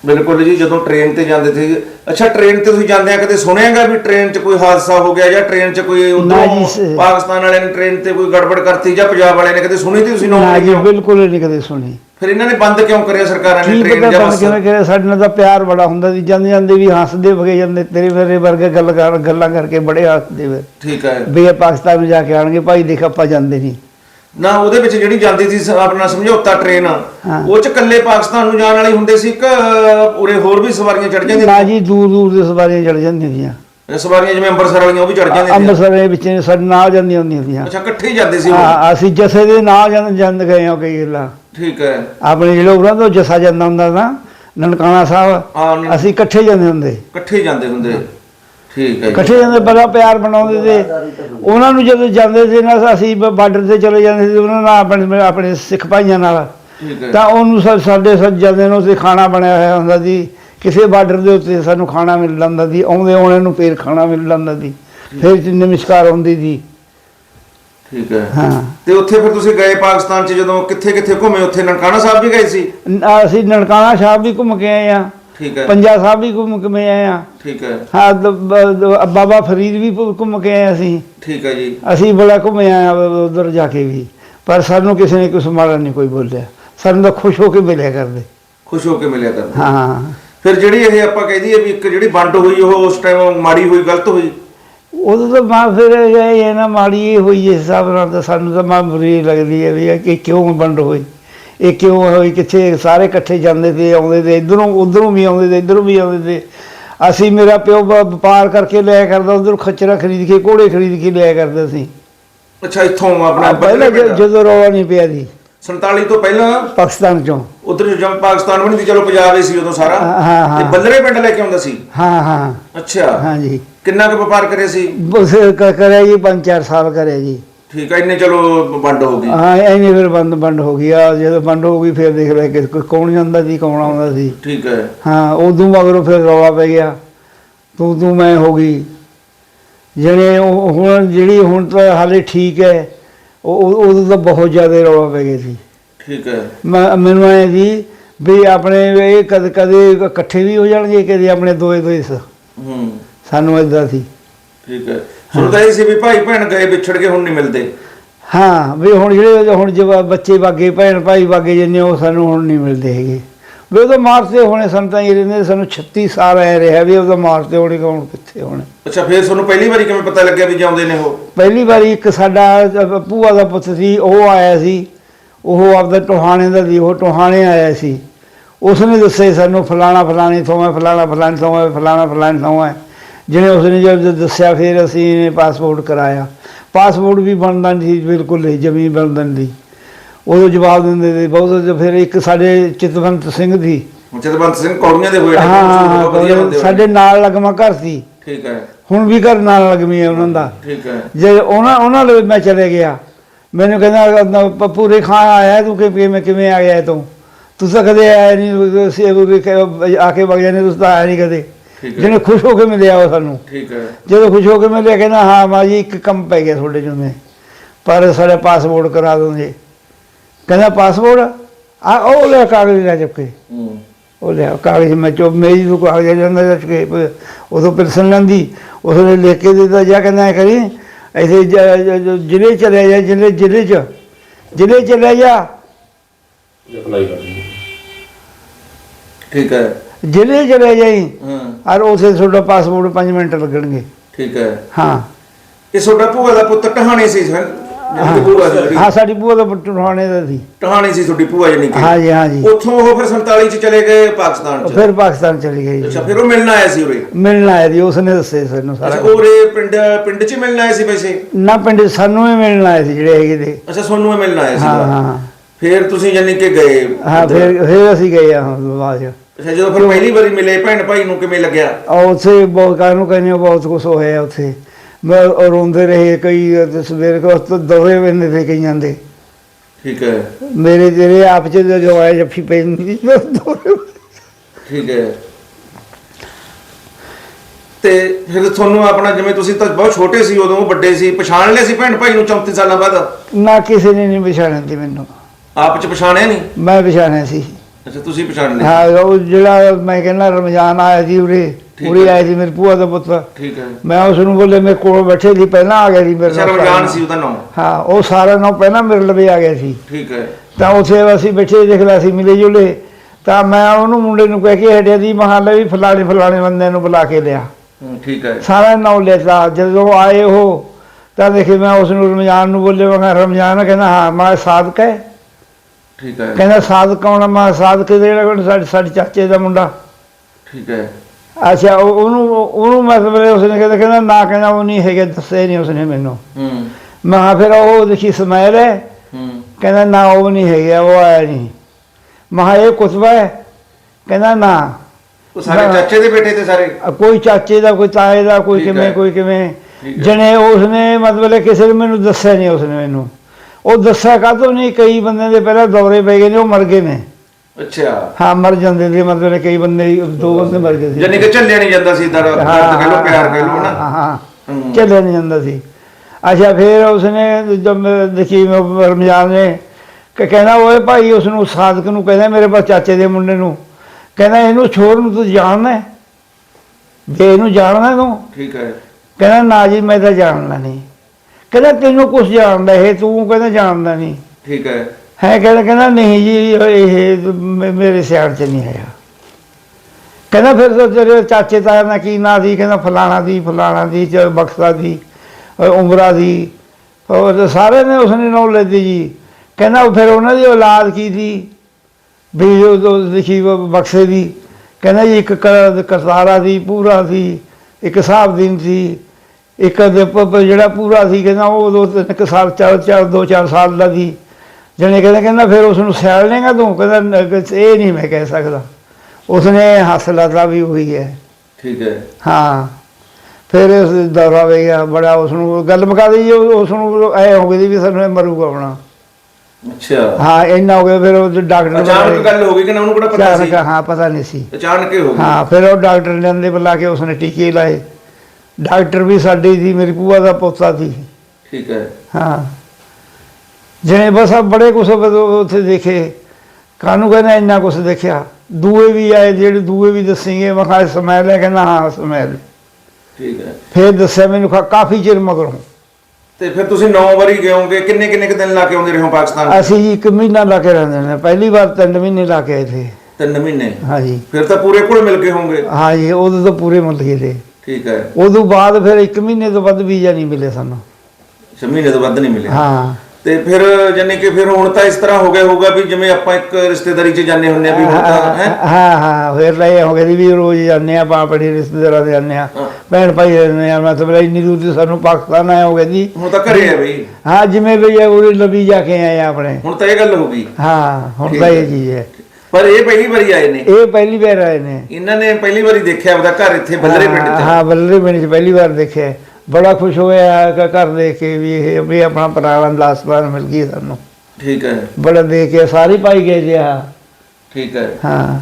A: ਬਿਲਕੁਲ ਜੀ, ਜਦੋਂ ਟ੍ਰੇਨ ਤੇ ਜਾਂਦੇ ਸੀ। ਅੱਛਾ, ਟ੍ਰੇਨ ਤੇ ਤੁਸੀਂ ਜਾਂਦੇ ਆ ਕਦੇ ਸੁਣਿਆਗਾ ਵੀ ਟ੍ਰੇਨ 'ਚ ਕੋਈ ਹਾਦਸਾ ਹੋ ਗਿਆ ਜਾਂ ਟ੍ਰੇਨ 'ਚ ਕੋਈ
E: ਨਾ ਜੀ,
A: ਉਧਰੋਂ ਪਾਕਿਸਤਾਨ ਵਾਲਿਆਂ ਨੇ ਟ੍ਰੇਨ ਤੇ ਕੋਈ ਗੜਬੜ ਕਰਤੀ ਜਾਂ ਪੰਜਾਬ ਵਾਲਿਆਂ ਨੇ, ਕਦੇ ਸੁਣੀ ਤੀ ਤੁਸੀਂ
E: ਨਾ
A: ਨੌਂ
E: ਜੀ ਬਿਲਕੁਲ ਹੀ ਨਹੀਂ ਕਦੇ ਸੁਣੀ।
A: ਫਿਰ ਇਹਨਾਂ ਨੇ ਬੰਦ ਕਿਉਂ ਕਰਿਆ ਸਰਕਾਰਾਂ ਨੇ
E: ਕੀ
A: ਟ੍ਰੇਨ
E: ਪਤਾ
A: ਜਾਂ
E: ਬੰਦ
A: ਬੱਸ?
E: ਕਿਵੇਂ ਕਰਿਆ, ਸਾਡੇ ਨਾਲ ਤਾਂ ਪਿਆਰ ਬੜਾ ਹੁੰਦਾ ਸੀ, ਜਾਂਦੇ ਜਾਂਦੇ ਵੀ ਹੱਸਦੇ ਵਗੇ ਜਾਂਦੇ, ਤੇਰੇ ਮੇਰੇ ਵਰਗੇ ਗੱਲਾਂ ਕਰਕੇ ਬੜੇ ਹੱਸਦੇ ਵੇ
A: ਠੀਕ ਹੈ
E: ਵੀ ਇਹ ਪਾਕਿਸਤਾਨ ਨੂੰ ਜਾ ਕੇ ਆਣਗੇ, ਭਾਈ ਦੇਖ ਆਪਾਂ ਜਾਂਦੇ ਨਹੀਂ।
A: ਨਾ, ਉਹਦੇ ਵਿੱਚ ਜਿਹੜੀ ਜਾਂਦੀ ਸੀ ਆਪਣਾ ਸਮਝੌਤਾ ਟ੍ਰੇਨ,
E: ਹਾਂ।
A: ਉਹ 'ਚ ਇਕੱਲੇ ਪਾਕਿਸਤਾਨ ਨੂੰ ਜਾਣ ਵਾਲੀ ਹੁੰਦੇ ਸੀ ਕਿ ਉਰੇ ਹੋਰ ਵੀ ਸਵਾਰੀਆਂ ਚੜ ਜਾਂਦੀਆਂ
E: ਨਾ ਜੀ, ਦੂਰ ਦੂਰ ਦੇ ਸਵਾਰੀਆਂ ਚੜ ਜਾਂਦੀਆਂ ਸੀਆਂ।
A: ਸਵਾਰੀਆਂ ਜਿਵੇਂ ਅੰਮ੍ਰਿਤਸਰ ਵਾਲੀਆਂ ਉਹ ਵੀ ਚੜ ਜਾਂਦੀਆਂ ਸੀ?
E: ਅੰਮ੍ਰਿਤਸਰ ਦੇ ਵਿੱਚ ਸਾਡੇ ਨਾਲ ਜਾਂਦੀਆਂ ਹੁੰਦੀਆਂ ਸੀਆਂ।
A: ਅੱਛਾ, ਇਕੱਠੇ ਹੀ ਜਾਂਦੇ ਸੀ ਉਹ?
E: ਹਾਂ, ਅਸੀਂ ਜਥੇ ਦੇ ਨਾਲ ਜਾਂਦੇ ਗਏ ਹਾਂ ਕਈ ਗੱਲਾਂ।
A: ਠੀਕ ਹੈ।
E: ਆਪਣੇ ਜਿਹੜੇ ਉਹਨਾਂ ਤੋਂ ਜੱਸਾ ਜਾਂਦਾ ਹੁੰਦਾ ਨਾ, ਨਨਕਾਣਾ ਸਾਹਿਬ,
A: ਹਾਂ,
E: ਅਸੀਂ ਇਕੱਠੇ ਜਾਂਦੇ ਹੁੰਦੇ।
A: ਇਕੱਠੇ ਹੀ ਜਾਂਦੇ ਹੁੰਦੇ। ਠੀਕ ਹੈ ਜੀ।
E: ਇਕੱਠੇ ਜਾਂਦੇ, ਬੜਾ ਪਿਆਰ ਬਣਾਉਂਦੇ ਤੇ ਉਹਨਾਂ ਨੂੰ ਜਦੋਂ ਜਾਂਦੇ ਸੀ ਨਾ, ਅਸੀਂ ਬਾਰਡਰ ਤੇ ਚਲੇ ਜਾਂਦੇ ਸੀ ਉਹਨਾਂ ਨਾਲ, ਆਪਣੇ ਸਿੱਖ ਭਾਈਆਂ ਨਾਲ।
A: ਠੀਕ ਹੈ।
E: ਤਾਂ ਉਹਨੂੰ ਸਾਡੇ ਜਾਂਦੇ ਨੂੰ ਉੱਥੇ ਖਾਣਾ ਬਣਿਆ ਹੋਇਆ ਹੁੰਦਾ ਸੀ, ਕਿਸੇ ਬਾਰਡਰ ਦੇ ਉੱਤੇ ਸਾਨੂੰ ਖਾਣਾ ਮਿਲ ਜਾਂਦਾ ਸੀ, ਆਉਂਦੇ ਆਉਣੇ ਨੂੰ ਫੇਰ ਖਾਣਾ ਮਿਲ ਜਾਂਦਾ ਸੀ, ਫਿਰ ਨਮਸਕਾਰ ਹੁੰਦੀ ਸੀ।
A: ਠੀਕ ਹੈ।
E: ਹਾਂ।
A: ਤੇ ਉੱਥੇ ਫਿਰ ਤੁਸੀਂ ਗਏ ਪਾਕਿਸਤਾਨ 'ਚ ਜਦੋਂ, ਕਿੱਥੇ ਕਿੱਥੇ ਘੁੰਮੇ? ਉੱਥੇ ਨਨਕਾਣਾ ਸਾਹਿਬ ਵੀ ਗਏ ਸੀ?
E: ਅਸੀਂ ਨਨਕਾਣਾ ਸਾਹਿਬ ਵੀ ਘੁੰਮ ਕੇ ਆਏ ਆ,
A: ਠੀਕ ਹੈ।
E: ਪੰਜਾ ਸਾਹਿਬ ਵੀ ਘੁੰਮ ਕੇ ਆਏ ਆ।
A: ਠੀਕ ਹੈ।
E: ਹਾਂ, ਬਾਬਾ ਫਰੀਦ ਵੀ ਘੁੰਮ ਕੇ ਆਏ ਅਸੀਂ।
A: ਠੀਕ ਹੈ ਜੀ।
E: ਅਸੀਂ ਬੜਾ ਘੁੰਮੇ ਆਏ ਉਧਰ ਜਾ ਕੇ ਵੀ, ਪਰ ਸਾਨੂੰ ਕਿਸੇ ਨੇ ਕੁਛ ਮਾੜਾ ਨਹੀਂ ਕੋਈ ਬੋਲਿਆ, ਸਾਨੂੰ ਤਾਂ ਖੁਸ਼ ਹੋ ਕੇ ਮਿਲਿਆ ਕਰਦੇ।
A: ਖੁਸ਼ ਹੋ ਕੇ ਮਿਲਿਆ ਕਰਦੇ।
E: ਹਾਂ।
A: ਫਿਰ ਜਿਹੜੀ ਇਹ ਆਪਾਂ ਕਹਿ ਦਈਏ ਵੀ ਇੱਕ ਜਿਹੜੀ ਵੰਡ ਹੋਈ ਉਹ ਉਸ ਟਾਈਮ ਮਾੜੀ ਹੋਈ, ਗਲਤ ਹੋਈ?
E: ਉਦੋਂ ਤਾਂ ਮਾਂ ਫਿਰ ਇਹ ਨਾ ਮਾੜੀ ਇਹ ਹੋਈ, ਇਸ ਹਿਸਾਬ ਨਾਲ ਤਾਂ ਸਾਨੂੰ ਤਾਂ ਮਾਂ ਬੁਰੀ ਲੱਗਦੀ ਹੈ ਵੀ ਇਹ ਕਿਉਂ ਵੰਡ ਹੋਈ, ਇਹ ਕਿਉਂ ਹੋਈ, ਕਿੱਥੇ ਸਾਰੇ ਇਕੱਠੇ ਜਾਂਦੇ ਤੇ ਆਉਂਦੇ ਤੇ, ਇੱਧਰੋਂ ਉੱਧਰੋਂ ਵੀ ਆਉਂਦੇ ਤੇ, ਇੱਧਰੋਂ ਵੀ ਆਉਂਦੇ ਤੇ। ਅਸੀਂ, ਮੇਰਾ ਪਿਓ ਵਪਾਰ ਕਰਕੇ ਲਿਆ ਕਰਦਾ, ਉੱਧਰੋਂ ਖੱਚਰਾ ਖਰੀਦ ਕੇ, ਘੋੜੇ ਖਰੀਦ ਕੇ ਲਿਆ ਕਰਦੇ ਸੀ।
A: ਅੱਛਾ, ਇੱਥੋਂ ਆਪਣਾ
E: ਪਹਿਲਾਂ ਜਦੋਂ ਰੌਲਾ ਨਹੀਂ ਪਿਆ ਸੀ
A: 47 ਤੋਂ ਪਹਿਲਾਂ
E: ਪਾਕਿਸਤਾਨ ਚੋਂ,
A: ਉਧਰ ਜਦ ਪਾਕਿਸਤਾਨ ਬਣੀ ਸੀ, ਚਲੋ ਪੰਜਾਬ ਹੀ ਸੀ ਉਦੋਂ ਸਾਰਾ।
E: ਹਾਂ, ਹਾਂ।
A: ਤੇ ਬੱਲਰੇ ਪਿੰਡ ਲੈ ਕੇ ਆਉਂਦਾ ਸੀ?
E: ਹਾਂ ਹਾਂ
A: ਅੱਛਾ।
E: ਹਾਂ ਜੀ।
A: ਕਿੰਨਾ ਕੁ ਵਪਾਰ ਕਰਿਆ ਸੀ?
E: ਬਸ ਕਰਿਆ ਜੀ 5-4 ਸਾਲ ਕਰਿਆ ਜੀ।
A: ਠੀਕ ਹੈ, ਇੰਨੇ ਚਲੋ ਵੰਡ ਹੋ ਗਈ।
E: ਹਾਂ, ਐਵੇਂ ਫਿਰ ਬੰਦ ਹੋ ਗਈ ਆ। ਜਦੋਂ ਬੰਦ ਹੋ ਗਈ ਫਿਰ ਦੇਖ ਲੈ ਕਿ ਕੌਣ ਜਾਂਦਾ ਸੀ, ਕੌਣ ਆਉਂਦਾ ਸੀ।
A: ਠੀਕ ਹੈ।
E: ਹਾਂ, ਉਦੋਂ ਮਗਰੋਂ ਫਿਰ ਰੌਲਾ ਪੈ ਗਿਆ, ਤੂੰ ਮੈਂ ਹੋ ਗਈ। ਜਿਹੜੇ ਹੁਣ ਜਿਹੜੀ ਹੁਣ ਤਾਂ ਹਾਲੇ ਠੀਕ ਹੈ, ਉਦੋਂ ਤਾਂ ਬਹੁਤ ਜ਼ਿਆਦਾ ਰੌਲਾ ਪੈ ਗਿਆ ਸੀ।
A: ਠੀਕ ਹੈ।
E: ਮੈਨੂੰ ਐ ਜੀ ਵੀ ਆਪਣੇ ਇਹ ਕਦੇ ਇਕੱਠੇ ਵੀ ਹੋ ਜਾਣਗੇ, ਕਦੇ ਆਪਣੇ ਦੋਏ
A: ਹੂੰ।
E: ਸਾਨੂੰ ਏਦਾਂ ਸੀ।
A: ਠੀਕ ਹੈ। ਸੁਣਦਾ ਹੀ ਸੀ ਵੀ ਭਾਈ ਭੈਣ ਗਏ ਵਿਛੜ ਕੇ ਹੁਣ ਨਹੀਂ ਮਿਲਦੇ।
E: ਹਾਂ, ਵੀ ਹੁਣ ਜਿਹੜੇ ਹੁਣ ਬੱਚੇ ਵਾਗੇ, ਭੈਣ ਭਾਈ ਵਾਗੇ ਜਿੰਨੇ, ਉਹ ਸਾਨੂੰ ਹੁਣ ਨਹੀਂ ਮਿਲਦੇ ਹੈਗੇ। ਵੀ ਉਹ ਤਾਂ ਮਾਰਤੇ ਹੋਣੇ, ਸਾਨੂੰ ਤਾਂ ਇਹ ਰਹਿੰਦੇ, ਸਾਨੂੰ 36 ਸਾਲ ਐ ਰਿਹਾ ਵੀ ਉਹ ਤਾਂ ਮਾਰਤੇ ਹੋਣੇ, ਕੌਣ ਕਿੱਥੇ ਹੋਣੇ।
A: ਅੱਛਾ, ਫਿਰ ਤੁਹਾਨੂੰ ਪਹਿਲੀ ਵਾਰੀ ਕਿਵੇਂ ਪਤਾ ਲੱਗਿਆ ਵੀ ਜਾਂਦੇ ਨੇ ਉਹ?
E: ਪਹਿਲੀ ਵਾਰੀ ਇੱਕ ਸਾਡਾ ਭੂਆ ਦਾ ਪੁੱਤ ਸੀ, ਉਹ ਆਇਆ ਸੀ, ਉਹ ਆਪਦਾ ਟੋਹਾਣੇ ਦਾ ਸੀ, ਉਹ ਟੋਹਾਣੇ ਆਇਆ ਸੀ। ਉਸਨੇ ਦੱਸਿਆ ਸਾਨੂੰ ਫਲਾਣਾ ਫਲਾਣੀ ਥਾਂ ਹੈ, ਫਲਾਣਾ ਫਲਾਣੀ ਥਾਂ ਹੈ, ਫਲਾਣਾ ਫਲਾਣੀ ਥਾਂ ਹੈ। ਜਿਹਨੇ ਉਸਨੇ ਜਦ ਦੱਸਿਆ, ਫਿਰ ਅਸੀਂ ਪਾਸਪੋਰਟ ਕਰਾਇਆ। ਪਾਸਪੋਰਟ ਵੀ ਬਣਦਾ ਨਹੀਂ ਸੀ, ਬਿਲਕੁਲ ਨਹੀਂ, ਜ਼ਮੀਨ ਬਣਦਾ ਨਹੀਂ ਸੀ। ਉਦੋਂ ਜਵਾਬ ਦਿੰਦੇ ਸੀ ਬਹੁਤ। ਫਿਰ ਇੱਕ ਸਾਡੇ ਚਿਤਵੰਤ ਸਿੰਘ ਦੀ,
A: ਚਿਤਵੰਤ ਸਿੰਘ ਕੌੜੀਆਂ ਦੇ ਹੋਏ ਨੇ,
E: ਹਾਂ,
A: ਵਧੀਆ ਬੰਦੇ ਹੋਏ।
E: ਸਾਡੇ ਨਾਲ ਲੱਗਮਾ ਘਰ ਸੀ।
A: ਠੀਕ ਹੈ।
E: ਹੁਣ ਵੀ ਘਰ ਨਾਲ ਲੱਗਮੀ ਹੈ ਉਹਨਾਂ ਦਾ।
A: ਠੀਕ ਹੈ।
E: ਜੇ ਉਹਨਾਂ ਲਈ ਮੈਂ ਚਲੇ ਗਿਆ, ਮੈਨੂੰ ਕਹਿੰਦਾ ਪੂਰੇ ਖਾਂ ਆਇਆ ਤੂੰ, ਕਿਵੇਂ ਆ ਗਿਆ ਤੂੰ ਤਾਂ ਕਦੇ ਆਇਆ ਨਹੀਂ, ਆ ਕੇ ਵਗ ਜਾਂਦੇ, ਤੁਸੀਂ ਤਾਂ ਆਇਆ ਨਹੀਂ ਕਦੇ। ਜਿਹਨੇ ਖੁਸ਼ ਹੋ ਕੇ ਮਿਲਿਆ ਉਹ ਸਾਨੂੰ।
A: ਠੀਕ ਹੈ।
E: ਜਦੋਂ ਖੁਸ਼ ਹੋ ਕੇ ਮਿਲਿਆ, ਕਹਿੰਦਾ ਹਾਂ ਮਾਂ ਜੀ, ਇੱਕ ਕੰਮ ਪੈ ਗਿਆ ਤੁਹਾਡੇ ਚੋਂ, ਪਰ ਸਾਡਾ ਪਾਸਪੋਰਟ ਕਰਾ ਦੋਗੇ। ਕਹਿੰਦਾ ਪਾਸਪੋਰਟ ਉਹ ਲਿਆ ਕਾਗਜ਼ ਲੈ ਚੁੱਕੇ, ਉਹ ਲਿਆ ਕਾਗਜ਼, ਮੈਂ ਮੇਰੀ ਤੋਂ ਕਾਗਜ਼ ਜਾਂਦਾ ਚੁੱਕੇ, ਉਦੋਂ ਪੈਨਸ਼ਨ ਲੈਂਦੀ, ਉਸਨੇ ਲਿਖ ਕੇ ਦਿੱਤਾ ਜਾ, ਕਹਿੰਦਾ ਕਰੀ ऐसे ਜ਼ਿਲ੍ਹੇ ਚਲੇ ਜਾ, ਜ਼ਿਲ੍ਹੇ ਚਲੇ ਜਾ,
A: ਠੀਕ ਹੈ।
E: ਜ਼ਿਲ੍ਹੇ ਚਲੇ ਜਾਈ,
A: ਹਾਂ।
E: ਔਰ ਉਸੇ ਤੁਹਾਡਾ ਪਾਸਪੋਰਟ 5 ਮਿੰਟ ਲੱਗਣਗੇ।
A: ਠੀਕ ਹੈ।
E: ਹਾਂ।
A: ਇਹ ਤੁਹਾਡਾ ਭੂਆ ਦਾ ਪੁੱਤ ਟਹਾਣੇ ਸੀ ਸਰ?
E: ਹਾਂ, ਸਾਡੀ ਭੂਆ ਦਾ ਪੁੱਤ ਟਹਾਣੇ ਦਾ ਸੀ।
A: ਟਹਾਣੇ ਸੀ ਤੁਹਾਡੀ ਭੂਆ ਜਾਨੀ ਕਿ?
E: ਹਾਂ ਜੀ, ਹਾਂ ਜੀ।
A: ਉੱਥੋਂ ਉਹ ਫਿਰ 47 ਚ ਚਲੇ ਗਏ ਪਾਕਿਸਤਾਨ ਚ?
E: ਫਿਰ ਪਾਕਿਸਤਾਨ ਚਲੀ ਗਈ।
A: ਅੱਛਾ, ਫਿਰ ਉਹ ਮਿਲਣ ਆਇਆ ਸੀ ਉਰੇ?
E: ਮਿਲਣ ਆਇਆ ਸੀ, ਉਸਨੇ ਦੱਸੇ ਸਾਨੂੰ ਸਾਰਾ।
A: ਅੱਛਾ, ਉਰੇ ਪਿੰਡ ਚ ਮਿਲਣ ਆਏ ਸੀ ਵੈਸੇ?
E: ਨਾ, ਪਿੰਡ ਸਾਨੂੰ ਹੀ ਮਿਲਣ ਆਏ ਸੀ ਜਿਹੜੇ ਹੈਗੇ ਤੇ।
A: ਅੱਛਾ, ਤੁਹਾਨੂੰ ਹੀ ਮਿਲਣ ਆਇਆ ਸੀ?
E: ਹਾਂ ਹਾਂ।
A: ਫਿਰ ਤੁਸੀਂ ਜਾਨੀ ਕਿ ਗਏ?
E: ਹਾਂ, ਫਿਰ ਅਸੀਂ ਗਏ ਹਾਂ ਬਾਅਦ ਚ।
A: ਅੱਛਾ, ਜਦੋਂ ਫਿਰ ਪਹਿਲੀ ਵਾਰੀ ਮਿਲੇ ਭੈਣ ਭਾਈ ਨੂੰ, ਕਿਵੇਂ ਲੱਗਿਆ?
E: ਉੱਥੇ ਬਹੁਤ ਕਾਹਨੂੰ ਕਹਿੰਦੇ, ਬਹੁਤ ਕੁਛ ਹੋਇਆ ਉੱਥੇ। ਮੈਂ ਰੋਂਦੇ ਰਹੇ ਕਈ, ਸਵੇਰੇ ਕੋ ਦੋਵੇਂ ਬੰਦੇ ਤੇ ਕਈਆਂ ਦੇ।
A: ਠੀਕ ਹੈ।
E: ਮੇਰੇ ਤੇਰੇ ਆਪ ਚ ਜੋ ਆਇਆ ਜੱਫੀ ਪੈਂਦੀ।
A: ਠੀਕ ਹੈ। ਤੇ ਫਿਰ ਤੁਹਾਨੂੰ ਆਪਣਾ, ਜਿਵੇਂ ਤੁਸੀਂ ਤਾਂ ਬਹੁਤ ਛੋਟੇ ਸੀ ਉਦੋਂ, ਵੱਡੇ ਸੀ, ਪਛਾਣ ਲਿਆ ਸੀ ਭੈਣ ਭਾਈ ਨੂੰ 34 ਸਾਲਾਂ ਬਾਅਦ?
E: ਨਾ, ਕਿਸੇ ਨੇ ਨਹੀਂ ਪਛਾਣਿਆ ਸੀ ਮੈਨੂੰ।
A: ਆਪ ਚ ਪਛਾਣਿਆ ਨਹੀਂ?
E: ਮੈਂ ਪਛਾਣਿਆ ਸੀ।
A: ਅੱਛਾ ਤੁਸੀਂ ਪਛਾਣ ਲਿਆ।
E: ਹਾਂ ਉਹ ਜਿਹੜਾ ਮੈਂ ਕਹਿੰਦਾ ਰਮਜ਼ਾਨ ਆਇਆ ਸੀ
A: ਠੀਕ
E: ਉਰੇ
A: ਹੈ।
E: ਆਇਆ ਸੀ ਮੇਰੀ ਭੂਆ ਦਾ ਪੁੱਤ।
A: ਠੀਕ ਹੈ।
E: ਮੈਂ ਉਸ ਨੂੰ ਬੋਲੇ ਮੇਰੇ ਕੋਲ ਬੈਠੇ ਸੀ, ਪਹਿਲਾਂ ਆ ਗਿਆ ਸੀ ਮੇਰੇ
A: ਅੱਛਾ
E: ਨਾਲ
A: ਰਮਜ਼ਾਨ
E: ਸਾਰਿਆਂ
A: ਸੀ ਉਹਦਾ ਨਾਮ।
E: ਹਾਂ ਉਹ ਸਾਰਿਆਂ ਨਾਲ ਪਹਿਲਾਂ ਮੇਰੇ ਲਵੇ ਆ ਗਿਆ ਸੀ।
A: ਠੀਕ ਹੈ।
E: ਤਾਂ ਉੱਥੇ ਅਸੀਂ ਬੈਠੇ ਦੇਖਦਾ ਸੀ ਮਿਲੇ ਜੁਲੇ, ਤਾਂ ਮੈਂ ਉਹਨੂੰ ਮੁੰਡੇ ਨੂੰ ਕਹਿ ਕੇ ਹਟਿਆ ਸੀ ਮਹਾਲੇ ਵੀ ਫਲਾਣੇ ਬੰਦੇ ਨੂੰ ਬੁਲਾ ਕੇ ਲਿਆ।
A: ਠੀਕ ਹੈ।
E: ਸਾਰਾ ਨਾਮ ਲੈਤਾ। ਜਦੋਂ ਆਏ ਉਹ ਤਾਂ ਦੇਖੇ ਮੈਂ ਉਸ ਨੂੰ ਰਮਜ਼ਾਨ ਨੂੰ ਬੋਲੇ, ਮੈਂ ਕਿਹਾ ਰਮਜ਼ਾਨ? ਕਹਿੰਦਾ ਹਾਂ। ਮੈਂ ਸਾਦਕ ਹੈ।
A: ਠੀਕ ਹੈ।
E: ਕਹਿੰਦਾ ਸਾਦਕ ਕੌਣ ਆ? ਮੈਂ ਸਾਦਕ ਜਿਹੜਾ ਸਾਡੇ ਚਾਚੇ ਦਾ ਮੁੰਡਾ।
A: ਠੀਕ ਹੈ।
E: ਅੱਛਾ ਉਹਨੂੰ ਮਤਲਬ ਉਸਨੇ ਕਹਿੰਦਾ ਨਾ, ਕਹਿੰਦਾ ਉਹ ਨਹੀਂ ਹੈਗੇ, ਦੱਸੇ ਨਹੀਂ ਉਸਨੇ ਮੈਨੂੰ।
A: ਹੂੰ
E: ਮੈਂ ਕਿਹਾ ਫਿਰ ਉਹ ਦੇਖੀ ਸਮੈਲ ਹੈ?
A: ਹੂੰ
E: ਕਹਿੰਦਾ ਨਾ ਉਹ ਨਹੀਂ ਹੈਗਾ, ਉਹ ਆਇਆ ਨਹੀਂ। ਮੈਂ ਕਿਹਾ ਇਹ ਕੁਤਬਾ ਹੈ? ਕਹਿੰਦਾ ਨਾ।
A: ਉਹ ਸਾਰੇ ਚਾਚੇ ਦੇ ਬੇਟੇ ਤੇ ਸਾਰੇ।
E: ਕੋਈ ਚਾਚੇ ਦਾ, ਕੋਈ ਤਾਏ ਦਾ, ਕੋਈ
A: ਠੀਕ ਹੈ।
E: ਕਿਵੇਂ ਕੋਈ ਕਿਵੇਂ।
A: ਠੀਕ ਹੈ।
E: ਜਣੇ ਉਸਨੇ ਮਤਲਬ ਕਿਸੇ ਨੇ ਮੈਨੂੰ ਦੱਸਿਆ ਨਹੀਂ ਉਸਨੇ ਮੈਨੂੰ। ਉਹ ਦੱਸਿਆ ਕਾਹਤੋਂ ਨਹੀਂ, ਕਈ ਬੰਦਿਆਂ ਦੇ ਪਹਿਲਾਂ ਦੌਰੇ ਪੈ ਗਏ ਨੇ, ਉਹ ਮਰ ਗਏ ਨੇ।
A: ਅੱਛਾ
E: ਹਾਂ ਮਰ ਜਾਂਦੇ ਸੀ, ਮਤਲਬ ਕਈ ਬੰਦੇ 2 ਬੰਦੇ ਮਰ ਗਏ ਸੀ।
A: ਜਾਨੀ ਕਿ ਚੱਲਿਆ ਨਹੀਂ ਜਾਂਦਾ ਸੀ ਦਰਦ ਕਹਿ ਲੋ, ਪਿਆਰ ਕਹਿ ਲੋ ਨਾ।
E: ਹਾਂ
A: ਹੂੰ।
E: ਚੱਲਿਆ ਨਹੀਂ ਜਾਂਦਾ ਸੀ। ਅੱਛਾ ਫਿਰ ਉਸਨੇ ਜਦ ਦੇਖੀ ਰਮਜ਼ਾਨ ਨੇ ਕਹਿੰਦਾ ਓਏ ਭਾਈ, ਉਸਨੂੰ ਸਾਦਕ ਨੂੰ ਕਹਿੰਦਾ ਮੇਰੇ ਪਾਸ ਚਾਚੇ ਦੇ ਮੁੰਡੇ ਨੂੰ, ਕਹਿੰਦਾ ਇਹਨੂੰ ਛੋੜ ਨੂੰ ਤੂੰ ਜਾਣਦਾ ਹੈ? ਜੇ ਇਹਨੂੰ ਜਾਣਦਾ ਤੂੰ?
A: ਠੀਕ ਹੈ।
E: ਕਹਿੰਦਾ ਨਾ ਜੀ ਮੈਂ ਤਾਂ ਜਾਣਦਾ ਨਹੀਂ। ਕਹਿੰਦਾ ਤੈਨੂੰ ਕੁਛ ਜਾਣਦਾ ਇਹ, ਤੂੰ ਕਹਿੰਦਾ ਜਾਣਦਾ ਨਹੀਂ
A: ਠੀਕ ਹੈ।
E: ਹੈ? ਕਹਿੰਦਾ ਨਹੀਂ ਜੀ ਇਹ ਮੇਰੇ ਸਿਆਣ 'ਚ ਨਹੀਂ ਆਇਆ। ਕਹਿੰਦਾ ਫਿਰ ਤੇਰੇ ਚਾਚੇ ਤਾਇਆ ਦਾ ਕੀ ਨਾਂ ਸੀ? ਕਹਿੰਦਾ ਫਲਾਣਾ ਦੀ ਬਖਸ਼ਾ ਦੀ, ਉਮਰਾ ਦੀ, ਉਹ ਸਾਰੇ ਨੇ ਉਸਨੇ ਨਾਮ ਲੈਤੀ ਜੀ। ਕਹਿੰਦਾ ਫਿਰ ਉਹਨਾਂ ਦੀ ਔਲਾਦ ਕੀ ਸੀ ਵੀ ਉਹ ਲਿਖੀ ਬਖਸ਼ੇ ਦੀ? ਕਹਿੰਦਾ ਜੀ ਇੱਕ ਕਰਤਾਰਾ ਸੀ, ਪੂਰਾ ਸੀ, ਇੱਕ ਸਾਹਬਦੀਨ ਸੀ, ਇੱਕ ਜਿਹੜਾ ਪੂਰਾ ਸੀ ਕਹਿੰਦਾ ਉਹ 2-3 ਸਾਲ 2-4 ਸਾਲ ਦਾ ਸੀ। ਜਣੇ ਕਹਿੰਦਾ ਫਿਰ ਉਸ ਨੂੰ ਸਿਆਲ ਲੇਗਾ ਤੂੰ? ਕਹਿੰਦਾ ਇਹ ਨਹੀਂ ਮੈਂ ਕਹਿ ਸਕਦਾ। ਉਸਨੇ ਹੱਸ ਲਾਤਾ ਵੀ ਉਹੀ ਹੈ।
A: ਠੀਕ ਹੈ।
E: ਹਾਂ ਫਿਰ ਦੌਰਾ ਵੇ ਗਿਆ ਬੜਾ, ਉਸ ਨੂੰ ਗੱਲ ਮੁਕਾ ਦੀ। ਉਸ ਨੂੰ ਐ ਹੋ ਗਈ ਵੀ ਸਾਨੂੰ ਇਹ ਮਰੂਗਾ ਆਪਣਾ।
A: ਅੱਛਾ
E: ਹਾਂ ਇੰਨਾ ਹੋ ਗਿਆ। ਫਿਰ ਉਹ ਡਾਕਟਰ
A: ਅਚਾਨਕ ਗੱਲ ਹੋ ਗਈ ਕਿ ਨਾ, ਉਹਨੂੰ ਕਿਹੜਾ ਪਤਾ ਸੀ?
E: ਹਾਂ ਪਤਾ ਨਹੀਂ ਸੀ,
A: ਅਚਾਨਕ ਹੀ ਹੋ ਗਈ।
E: ਹਾਂ ਫਿਰ ਉਹ ਡਾਕਟਰ ਨੇ ਅੰਦਰ ਬੁਲਾ ਕੇ ਉਸਨੇ ਟੀਕੇ ਲਾਏ। ਡਾਕਟਰ ਵੀ ਸਾਡੀ ਸੀ, ਮੇਰੀ ਭੂਆ ਦਾ ਪੋਤਾ ਸੀ।
A: ਠੀਕ ਹੈ।
E: ਹਾਂ ਜਿਵੇਂ ਬਸ ਆ ਬੜੇ ਕੁਛ ਉੱਥੇ ਦੇਖੇ। ਕਾਹਨੂੰ ਕਹਿੰਦਾ ਇੰਨਾ ਕੁਛ ਦੇਖਿਆ। ਦੂਏ ਵੀ ਆਏ, ਜਿਹੜੇ ਦੂਏ ਵੀ ਦੱਸੇਂਗੇ। ਮੈਂ ਕਿਹਾ ਸਮੈਲ ਹੈ? ਕਹਿੰਦਾ ਹਾਂ ਸਮੈਲ।
A: ਠੀਕ ਹੈ।
E: ਫਿਰ ਦੱਸਿਆ ਮੈਨੂੰ ਕਾਫੀ ਚਿਰ ਮਗਰੋਂ।
A: ਤੇ ਫਿਰ ਤੁਸੀਂ 9 ਵਾਰੀ ਗਏ ਹੋਗੇ, ਕਿੰਨੇ ਕੁ ਦਿਨ ਲਾ ਕੇ ਆਉਂਦੇ ਰਹੇ ਹੋ ਪਾਕਿਸਤਾਨ?
E: ਅਸੀਂ ਜੀ 1 ਮਹੀਨਾ ਲਾ ਕੇ ਰਹਿੰਦੇ ਨੇ। ਪਹਿਲੀ ਵਾਰ 3 ਮਹੀਨੇ ਲਾ ਕੇ ਆਏ ਥੇ।
A: 3 ਮਹੀਨੇ?
E: ਹਾਂਜੀ
A: ਫਿਰ ਤਾਂ ਪੂਰੇ ਕੋਲ ਮਿਲ ਗਏ ਹੋਗੇ।
E: ਹਾਂਜੀ ਉਦੋਂ ਤਾਂ ਪੂਰੇ ਮਿਲ ਗਏ ਥੇ।
A: ਠੀਕ ਹੈ।
E: ਉਦੋਂ ਬਾਅਦ ਫਿਰ 1 ਮਹੀਨੇ ਤੋਂ ਵੱਧ ਵੀਜ਼ਾ ਨਹੀਂ ਮਿਲੇ ਸਾਨੂੰ।
A: 6 ਮਹੀਨੇ ਤੋਂ ਵੱਧ ਨਹੀਂ ਮਿਲੇ।
E: ਹਾਂ
A: ਤੇ ਫਿਰ ਜਾਨੀ ਕਿ ਫਿਰ ਹੁਣ ਤਾਂ ਇਸ ਤਰ੍ਹਾਂ ਹੋ ਗਿਆ ਹੋਊਗਾ ਵੀ ਜਿਵੇਂ ਆਪਾਂ ਇੱਕ ਰਿਸ਼ਤੇਦਾਰੀ 'ਚ ਜਾਂਦੇ ਹੁੰਦੇ ਆ ਵੀ ਹੁਣ ਤਾਂ ਹੈ।
E: ਹਾਂ ਫਿਰ ਤਾਂ ਇਹ ਹੋ ਗਿਆ ਵੀ ਰੋਜ਼ ਜਾਂਦੇ ਆ, ਆਪਾਂ ਆਪਣੀ ਰਿਸ਼ਤੇਦਾਰਾਂ ਦੇ ਜਾਂਦੇ ਆ, ਭੈਣ ਭਾਈ ਰਹਿੰਦੇ ਆ। ਮਤਲਬ ਇੰਨੀ ਦੂਰ ਤੇ ਸਾਨੂੰ ਪਾਕਿਸਤਾਨ ਆਇਆ ਹੋ ਗਿਆ ਜੀ।
A: ਹੁਣ ਤਾਂ ਘਰੇ ਆ ਬਈ।
E: ਹਾਂ ਜਿਵੇਂ ਵੀ ਉਹ ਲਵੀ ਜਾ ਕੇ ਆਏ ਆ ਆਪਣੇ।
A: ਹੁਣ ਤਾਂ ਇਹ ਗੱਲ ਹੋ ਗਈ।
E: ਹਾਂ ਹੁਣ ਤਾਂ ਇਹ ਚੀਜ਼ ਹੈ।
A: ਪਰ ਇਹ ਪਹਿਲੀ ਵਾਰੀ ਆਏ ਨੇ।
E: ਇਹ ਪਹਿਲੀ ਵਾਰ ਆਏ ਨੇ।
A: ਇਹਨਾਂ ਨੇ ਪਹਿਲੀ ਵਾਰੀ ਦੇਖਿਆ ਉਹਦਾ ਘਰ ਇੱਥੇ ਬੱਲਰੇ ਪਿੰਡ 'ਚ।
E: ਹਾਂ ਬੱਲਰੇ ਪਿੰਡ 'ਚ ਪਹਿਲੀ ਵਾਰ ਦੇਖਿਆ। ਬੜਾ ਖੁਸ਼ ਹੋਇਆ ਘਰ ਦੇਖ ਕੇ ਵੀ ਇਹ ਵੀ ਆਪਣਾ ਪੁਰਾਣਾ ਦਾਸਤਾਨ ਮਿਲ ਗਈ ਸਾਨੂੰ।
A: ਠੀਕ ਹੈ।
E: ਬੜਾ ਦੇਖ ਕੇ ਸਾਰੀ ਪਾਈ ਗਏ ਜੀ।
A: ਠੀਕ ਹੈ।
E: ਹਾਂ